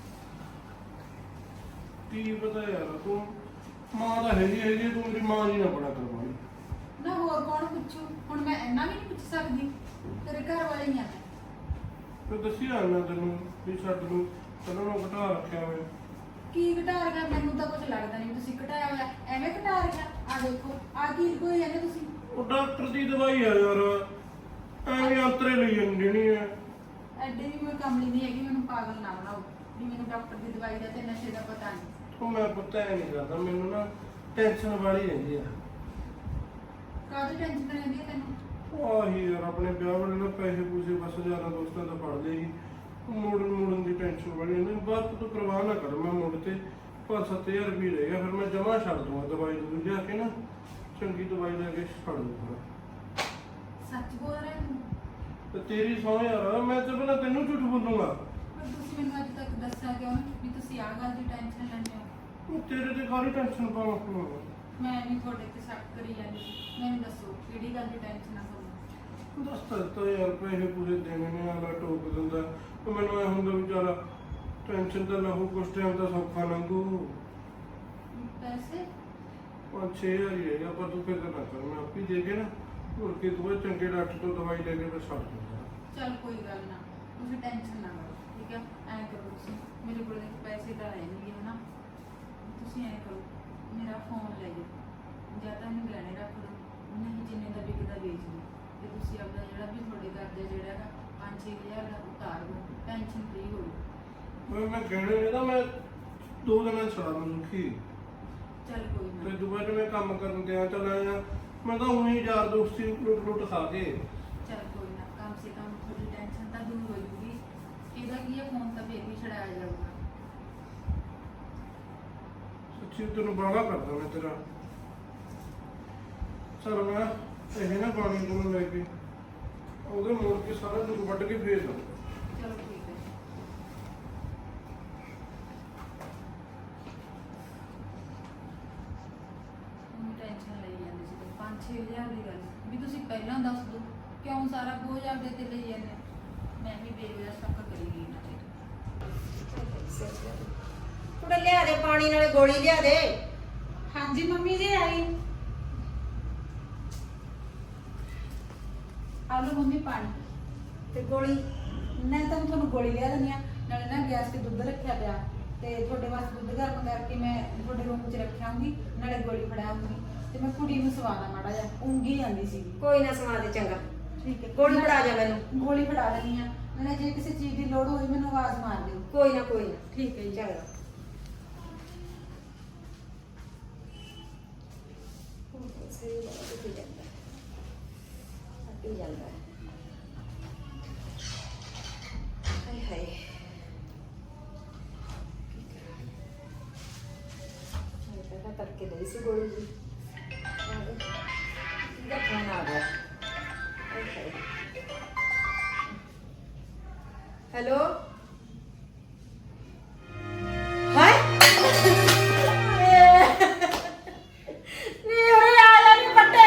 ਕੀ ਪਤਾ ਯਾਰ, ਤੂੰ ਮਾਂ ਦਾ ਹੈਗੀ ਹੈਗੀ, ਤੂੰ ਮੇਰੀ ਮਾਂ ਜੀ ਨਾ ਬੜਾ ਕਰਵਾਈ। ਨਾ ਹੋਰ ਕੌਣ ਪੁੱਛੂ, ਹੁਣ ਮੈਂ ਇੰਨਾ ਵੀ ਨਹੀਂ ਪੁੱਛ ਸਕਦੀ, ਤੇਰੇ ਘਰ ਵਾਲੇ ਹੀ ਆ। ਤੇ ਦੱਸੀ ਆ ਮੈਂ ਤੈਨੂੰ ਵੀ ਛੱਡ ਨੂੰ ਪਹਿਲਾਂ ਨੂੰ ਘਟਾ ਰੱਖਿਆ ਮੈਂ। ਕੀ ਘਟਾ ਰਿਹਾ? ਮੈਨੂੰ ਤਾਂ ਕੁਝ ਲੱਗਦਾ ਨਹੀਂ ਤੁਸੀਂ ਘਟਾਇਆ ਹੋਇਆ। ਐਵੇਂ ਘਟਾ ਰਿਹਾ? ਆ ਦੇਖੋ ਆ ਕੀ ਕੋਈ ਜਾਂਦੇ ਤੁਸੀਂ। ਉਹ ਡਾਕਟਰ ਦੀ ਦਵਾਈ ਆ ਯਾਰ, ਐਵੇਂ ਅੰਤਰੇ ਲਈ ਜਾਂਦੀ ਹੈ। ਐਡੇ ਵੀ ਮੈਂ ਕਮਲੀ ਨਹੀਂ ਹੈਗੀ, ਮੈਨੂੰ ਪਾਗਲ ਨਾ ਬਣਾਓ ਵੀ ਮੈਨੂੰ ਡਾਕਟਰ ਦੀ ਦਵਾਈ ਦਾ ਤੇ ਨਸ਼ੇ ਦਾ ਪਤਾ ਨਹੀਂ। ਉਹ ਮੈਂ ਪਤਾ ਹੀ ਨਹੀਂ ਕਰਦਾ, ਮੈਨੂੰ ਨਾ ਟੈਨਸ਼ਨ ਵਾਲੀ ਰਹਿੰਦੀ ਆ। ਕਾਹਦੀ ਟੈਨਸ਼ਨ ਰਹਿੰਦੀ ਹੈ ਤੈਨੂੰ? ਉਹ ਆਹੀ ਯਾਰ ਆਪਣੇ ਵਿਆਹ ਵੇਲੇ ਨਾ ਪੈਸੇ ਪੂਸੇ ਬਸ ਯਾਰਾਂ ਦੋਸਤਾਂ ਦਾ ਫੜ ਲਏਗੀ, ਮੋੜਨ ਮੋੜਨ ਦੀ ਟੈਨਸ਼ਨ ਵਾਲੀ ਹੁੰਦੀ। ਬਾਅਦ ਤੂੰ ਪਰਵਾਹ ਨਾ ਕਰ, ਮੈਂ ਮੁੜ ਤੇ ਪੰਜ ਸੱਤ ਹਜ਼ਾਰ ਰੁਪਏ ਰਹਿ ਗਿਆ, ਫਿਰ ਮੈਂ ਜਮਾ ਛੱਡ ਦੂੰਗਾ ਦਵਾਈ ਦੂਈ ਲਿਆ ਕੇ ਨਾ, ਚੰਗੀ ਦਵਾਈ ਲੈ ਕੇ ਛੱਡ ਦੂੰਗਾ। ਸੱਚ ਬੋਲ ਰਿਹਾ ਤੂੰ? ਤੇ ਤੇਰੀ ਸੌ ਯਾਰ, ਮੈਂ ਤੇ ਪਹਿਲਾਂ ਤੈਨੂੰ ਝੂਠ ਬੋਲੂੰਗਾ? ਪਰ ਤੁਸੀਂ ਮੈਨੂੰ ਅੱਜ ਤੱਕ ਦੱਸਿਆ ਕਿਉਂ ਨਹੀਂ ਵੀ ਤੁਸੀਂ ਆਹ ਗੱਲ ਦੀ ਟੈਨਸ਼ਨ ਲੈਂਦੇ ਹੋ? ਉਹ ਤੇਰੇ ਤੇ ਕਾਹਦੀ ਟੈਨਸ਼ਨ ਪਾਵਾਂ? ਮੈਂ ਨਹੀਂ ਤੁਹਾਡੇ ਤੇ ਸ਼ੱਕ ਕਰੀ ਜਾਂਦੀ, ਮੈਨੂੰ ਦੱਸੋ ਕਿਹੜੀ ਗੱਲ ਦੀ ਟੈਨਸ਼ਨ ਆ ਤੁਹਾਨੂੰ? ਦੱਸ ਤਾਂ ਯਾਰ, ਪੈਸੇ ਪੂਰੇ ਦੇਣੇ ਨੇ, ਆਲਾ ਟੋਕ ਦਿੰਦਾ। ਤੇ ਮੈਨੂੰ ਐ ਹੁੰਦਾ ਵੀ ਚੱਲ ਟੈਨਸ਼ਨ ਤਾਂ ਨਾ ਹੋ, ਕੁਛ ਟਾਈਮ ਤਾਂ ਸੌਖਾ ਲੰਘੂ। ਪੈਸੇ? ਪੰਜ ਛੇ ਹਜ਼ਾਰ ਹੀ ਹੈਗਾ, ਪਰ ਤੂੰ ਫਿਕਰ ਨਾ ਕਰ, ਮੈਂ ਆਪੇ ਦੇ ਕੇ ਨਾ ਹੋਰ ਕੇ ਤੂੰ ਇਹ ਚੰਗੇ ਡਾਕਟਰ ਤੋਂ ਦਵਾਈ ਲੈ ਕੇ ਮੈਂ ਛੱਡ ਦੂੰਗਾ। ਚੱਲ ਕੋਈ ਗੱਲ ਨਾ, ਤੁਸੀਂ ਟੈਨਸ਼ਨ ਨਾ ਲਓ, ਠੀਕ ਹੈ? ਐਂ ਕਰੋ ਤੁਸੀਂ, ਮੇਰੇ ਕੋਲ ਪੈਸੇ ਤਾਂ ਹੈ ਨਹੀਂ ਹੈ ਨਾ, ਤੁਸੀਂ ਐਂ ਕਰੋ ਮੇਰਾ ਫੋਨ ਲੈ ਜਾਓ, ਜਾਂ ਤਾਂ ਇਹਨੂੰ ਗਹਿਣੇ ਰੱਖ ਲਓ, ਨਹੀਂ ਜਿੰਨੇ ਦਾ ਵਿਕਦਾ ਵੇਚ ਲਓ, ਤੇ ਤੁਸੀਂ ਆਪਦਾ ਜਿਹੜਾ ਵੀ ਤੁਹਾਡੇ ਕਰਜ਼ਾ ਜਿਹੜਾ ਹੈਗਾ ਪੰਜ ਛੇ ਹਜ਼ਾਰ ਦਾ ਉਤਾਰ ਲਓ, ਟੈਨਸ਼ਨ ਫ੍ਰੀ ਹੋ ਜਾਓ। ਮੈਂ ਮੈਂ ਕਹਿਣੇ ਨੇ ਤਾਂ ਮੈਂ ਦੋ ਦਿਨਾਂ ਛੜਾ ਨੂੰ ਸੁਖੀ। ਚੱਲ ਕੋਈ ਤੇ ਨਾ, ਦੁਬਾਰਾ ਮੈਂ ਕੰਮ ਕਰਨ ਤੇ ਆ ਚੱਲ ਆਇਆ, ਮੈਂ ਤਾਂ ਉਹੀ ਯਾਰ ਦੋਸਤੀ ਲੁੱਟ ਲੁੱਟ ਖਾ ਕੇ। ਚੱਲ ਕੋਈ ਨਾ, ਕਮ ਸੇ ਕਮ ਤੁਹਾਡੀ ਟੈਨਸ਼ਨ ਤਾਂ ਦੂਰ ਹੋ ਜੂਗੀ। ਇਹਦਾ ਕੀ ਹੈ, ਫੋਨ ਤਾਂ ਫੇਰ ਵੀ ਛਡਾਇਆ ਜਾਊਗਾ। ਸੱਚੀ ਤੈਨੂੰ ਬਾਗਾ ਕਰਦਾ ਮੈਂ ਤੇਰਾ। ਚਲ ਮੈਂ ਇਹ ਨਾ ਪਾਣੀ ਨੂੰ ਲੈ ਕੇ ਉਹਦੇ ਮੋੜ ਕੇ ਸਾਰਾ ਦੁੱਧ ਵੱਢ ਕੇ ਫੇਰ ਦਊਂ। ਚਲੋ ਠੀਕ ਹੈ। ਮੈਨੂੰ ਟੈਨਸ਼ਨ ਲਈ ਜਾਂਦੀ ਸੀ ਪੰਜ ਛੇ ਹਜ਼ਾਰ ਦੀ ਗੱਲ ਵੀ ਤੁਸੀਂ ਪਹਿਲਾਂ ਦੱਸ ਦਿਓ, ਕਿਉਂ ਸਾਰਾ ਬੋਝ ਆਪਦੇ ਤੇ ਲਈ ਜਾਂਦੇ? ਮੈਂ ਵੀ ਬੇਵਜ੍ਹਾ ਸ਼ੱਕ ਕਰੀ ਗਈ ਨਾ। ਕੁੜੇ ਲਿਆ ਦੇ ਪਾਣੀ ਨਾਲੇ ਗੋਲੀ ਲਿਆ ਦੇ। ਹਾਂਜੀ ਮੰਮੀ ਜੀ ਆਈ। ਆ ਲਓ ਮੰਮੀ ਪਾਣੀ ਤੇ ਗੋਲੀ ਮੈਂ ਤਾਂ ਤੁਹਾਨੂੰ ਗੋਲੀ ਲਿਆ ਦਿੰਦੀ ਹਾਂ, ਨਾਲੇ ਨਾ ਗੈਸ ਤੇ ਦੁੱਧ ਰੱਖਿਆ ਪਿਆ, ਤੇ ਤੁਹਾਡੇ ਵਾਸਤੇ ਦੁੱਧ ਗਰਮ ਕਰਕੇ ਮੈਂ ਤੁਹਾਡੇ ਰੂਮ 'ਚ ਰੱਖਿਆਉਂਗੀ, ਨਾਲੇ ਗੋਲੀ ਫੜਾਉਂਗੀ, ਤੇ ਮੈਂ ਕੁੜੀ ਨੂੰ ਸਵਾਦਾ ਮਾੜਾ ਜਿਹਾ, ਉਂਗੀ ਜਾਂਦੀ ਸੀ। ਕੋਈ ਨਾ ਸਮਾ ਦੇ, ਚੰਗਾ ਠੀਕ ਹੈ, ਗੋਲੀ ਫੜਾ ਜਾ ਮੈਨੂੰ। ਗੋਲੀ ਫੜਾ ਲੈਣੀ ਆ, ਨਾਲੇ ਜੇ ਕਿਸੇ ਚੀਜ਼ ਦੀ ਲੋੜ ਹੋਈ ਮੈਨੂੰ ਆਵਾਜ਼ ਮਾਰ ਦਿਓ। ਕੋਈ ਨਾ ਕੋਈ ਨਾ, ਠੀਕ ਹੈ ਜੀ। ਚੰਗਾ। ਸਹੀ ਗੱਲ ਹੈ, ਜਾਂਦਾ ਅੱਪੀ ਜਾਂਦਾ ਹਾਏ ਹਾਏ। ਕੀ ਕਰਾਂ, ਮੈਂ ਪਹਿਲਾਂ ਕਰਕੇ ਲਈ ਸੀ ਗੋਲੀ ਜੀ। ਕਿਹਦਾ ਫੋਨ ਆ ਗਿਆ? ਹਾਏ ਹਾਏ। ਹੈਲੋ, ਹਾਏ ਨੀ ਉਰੇ ਆ ਜਾ ਨੀ ਬੱਟੇ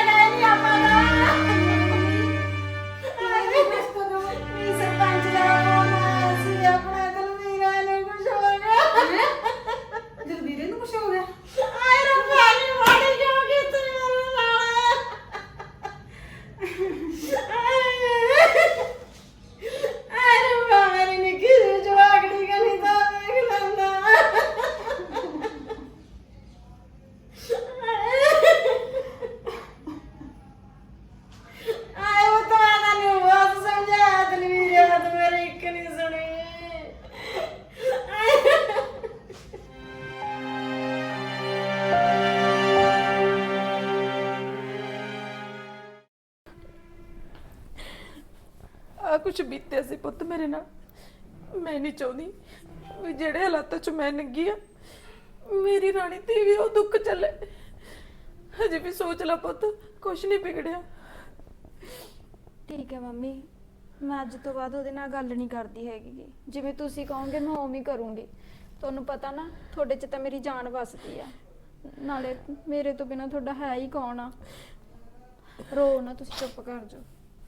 ਆ ਕੁਛ ਬੀਤਿਆ ਸੀ ਪੁੱਤ ਮੇਰੇ ਨਾਲ। ਮੈਂ ਨਹੀਂ ਚਾਹੁੰਦੀ ਵੀ ਜਿਹੜੇ ਹਾਲਾਤਾਂ 'ਚ ਮੈਂ ਲੰਗੀ ਆ ਮੇਰੀ ਰਾਣੀ ਤੇ ਵੀ ਉਹ ਦੁੱਖ ਚੱਲੇ। ਹਜੇ ਵੀ ਸੋਚ ਲਾ ਪੁੱਤ, ਕੁਛ ਨਹੀਂ ਵਿਗੜਿਆ। ਠੀਕ ਹੈ ਮੰਮੀ, ਮੈਂ ਅੱਜ ਤੋਂ ਬਾਅਦ ਉਹਦੇ ਨਾਲ ਗੱਲ ਨਹੀਂ ਕਰਦੀ ਹੈਗੀ ਗੀ। ਜਿਵੇਂ ਤੁਸੀਂ ਕਹੋਗੇ ਮੈਂ ਉਵੇਂ ਹੀ ਕਰੂੰਗੀ। ਤੁਹਾਨੂੰ ਪਤਾ ਨਾ ਤੁਹਾਡੇ 'ਚ ਤਾਂ ਮੇਰੀ ਜਾਨ ਵਸਦੀ ਆ, ਨਾਲੇ ਮੇਰੇ ਤੋਂ ਬਿਨਾ ਤੁਹਾਡਾ ਹੈ ਹੀ ਕੌਣ ਆ। ਰੋ ਨਾ, ਤੁਸੀਂ ਚੁੱਪ ਕਰ ਜਾਓ।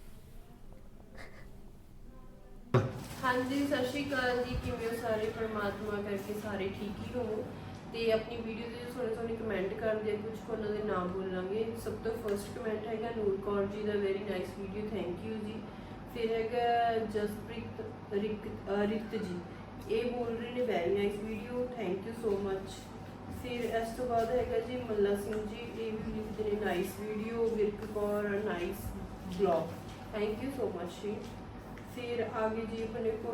ਹਾਂਜੀ ਸਤਿ ਸ਼੍ਰੀ ਅਕਾਲ ਜੀ, ਕਿਵੇਂ ਹੋ ਸਾਰੇ? ਪਰਮਾਤਮਾ ਕਰਕੇ ਸਾਰੇ ਠੀਕ ਹੀ ਹੋਵੋ। ਤੇ ਆਪਣੀ ਵੀਡੀਓ ਦੇ ਸੋਹਣੇ ਸੋਹਣੇ ਕਮੈਂਟ ਕਰਦੇ ਆ, ਕੁਝ ਉਹਨਾਂ ਦੇ ਨਾਮ ਬੋਲਾਂਗੇ। ਸਭ ਤੋਂ ਫਰਸਟ ਕਮੈਂਟ ਹੈਗਾ ਨੂਰ ਕੌਰ ਜੀ ਦਾ, very nice video, thank you ji. ਫਿਰ ਹੈਗਾ ਜਸਪ੍ਰੀਤ ਰਿਕ ਅ, ਰਿਤ ਜੀ, ਇਹ ਬੋਲ ਰਹੇ ਨੇ very nice video, thank you so much. ਫਿਰ ਇਸ ਤੋਂ ਬਾਅਦ ਹੈਗਾ ਜੀ ਮੱਲਾ ਸਿੰਘ ਜੀ, ਇਹ ਵੀ ਲਿਖਦੇ ਨੇ nice video. Virk Kaur nice blog, thank you so much ji. ਫਿਰ ਆगे जी अपने को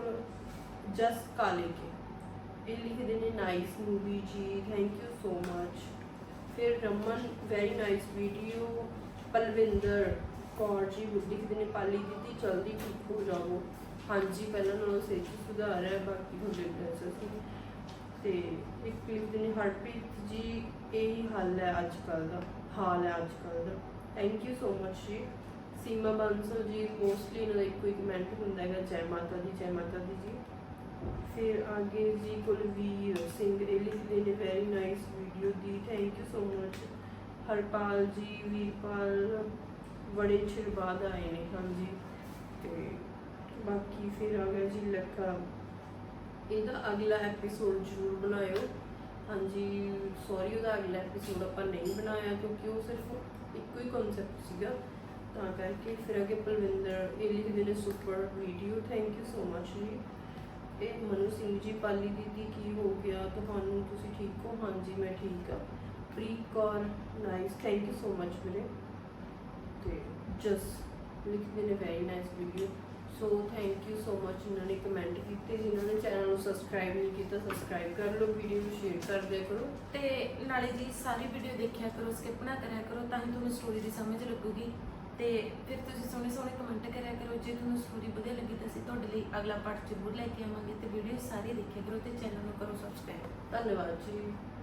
जस काले के, ये लिखते हैं nice movie ji, thank you so much. फिर Raman very nice video. Palwinder Kaur ji लिखते हैं पाली दीदी जल्दी ठीक हो जाओ। हाँ जी, पहले नालों सेहत सुधार है, बाकी थोड़े ड्रेस ते एक लिखते हैं हरप्रीत जी, यही हाल है अजकल का, हाल है अजकल का, thank you so much ji. Seema Bansal ji, mostly इन्होंने एक कोई कमेंट होंगे है जय माता दी, जय माता दी जी। फिर आगे जी कुलवीर सिंह, ये लिखते हैं वेरी नाइस वीडियो दी, thank you so much. Harpal ji, Veerpal बड़े चिर बाद आए ने, हाँ जी। तो बाकी फिर आ गया जी लखा, ਇਹਦਾ अगला एपीसोड जरूर बनायो। हाँ जी, सॉरी ਉਹਦਾ अगला एपीसोड ਆਪਾਂ नहीं बनाया क्योंकि वो सिर्फ एक ही कॉन्सेप्ट ਸੀਗਾ ਤਾਂ ਕਰਕੇ। ਫਿਰ ਅੱਗੇ ਪਲਵਿੰਦਰ, ਇਹ ਲਿਖਦੇ ਨੇ super video, thank you so much ji. ਇਹ ਮਨੂ ਸਿੰਘ ਜੀ, ਪਾਲੀ ਦੀਦੀ ਕੀ ਹੋ ਗਿਆ ਤੁਹਾਨੂੰ, ਤੁਸੀਂ ਠੀਕ ਹੋ? ਹਾਂਜੀ ਮੈਂ ਠੀਕ ਆ। Preet Kaur nice, thank you so much ਵੀਰੇ। ਤੇ ਜਸ ਲਿਖਦੇ ਨੇ very nice video, so thank you so much ਜਿਨ੍ਹਾਂ ਨੇ ਕਮੈਂਟ ਕੀਤੇ। ਜਿਨ੍ਹਾਂ ਨੇ ਚੈਨਲ ਨੂੰ ਸਬਸਕ੍ਰਾਈਬ ਨਹੀਂ ਕੀਤਾ, ਸਬਸਕ੍ਰਾਈਬ ਕਰ ਲਓ, ਵੀਡੀਓ ਨੂੰ ਸ਼ੇਅਰ ਕਰ ਦਿਆ ਕਰੋ। ਤੇ ਨਾਲੇ ਜੀ ਸਾਰੀ ਵੀਡੀਓ ਦੇਖਿਆ ਕਰੋ, ਸਕਿਪ ਨਾ ਕਰਿਆ ਕਰੋ, ਤਾਂ ਹੀ ਤੁਹਾਨੂੰ ਸਟੋਰੀ ਦੀ ਸਮਝ ਲੱਗੂਗੀ। ਤੇ ਫਿਰ ਤੁਸੀਂ ਸੋਹਣੇ ਸੋਹਣੇ ਕਮੈਂਟ ਕਰਿਆ ਕਰੋ। ਜੇ ਤੁਹਾਨੂੰ ਸਟੋਰੀ ਵਧੀਆ ਲੱਗੀ ਤਾਂ ਅਸੀਂ ਤੁਹਾਡੇ ਲਈ ਅਗਲਾ ਪਾਰਟ ਜ਼ਰੂਰ ਲੈ ਕੇ ਆਵਾਂਗੇ। ਤੇ ਵੀਡੀਓ ਸਾਰੀ ਦੇਖਿਆ ਕਰੋ ਤੇ ਚੈਨਲ ਨੂੰ ਕਰੋ ਸਬਸਕ੍ਰਾਈਬ। ਧੰਨਵਾਦ ਜੀ।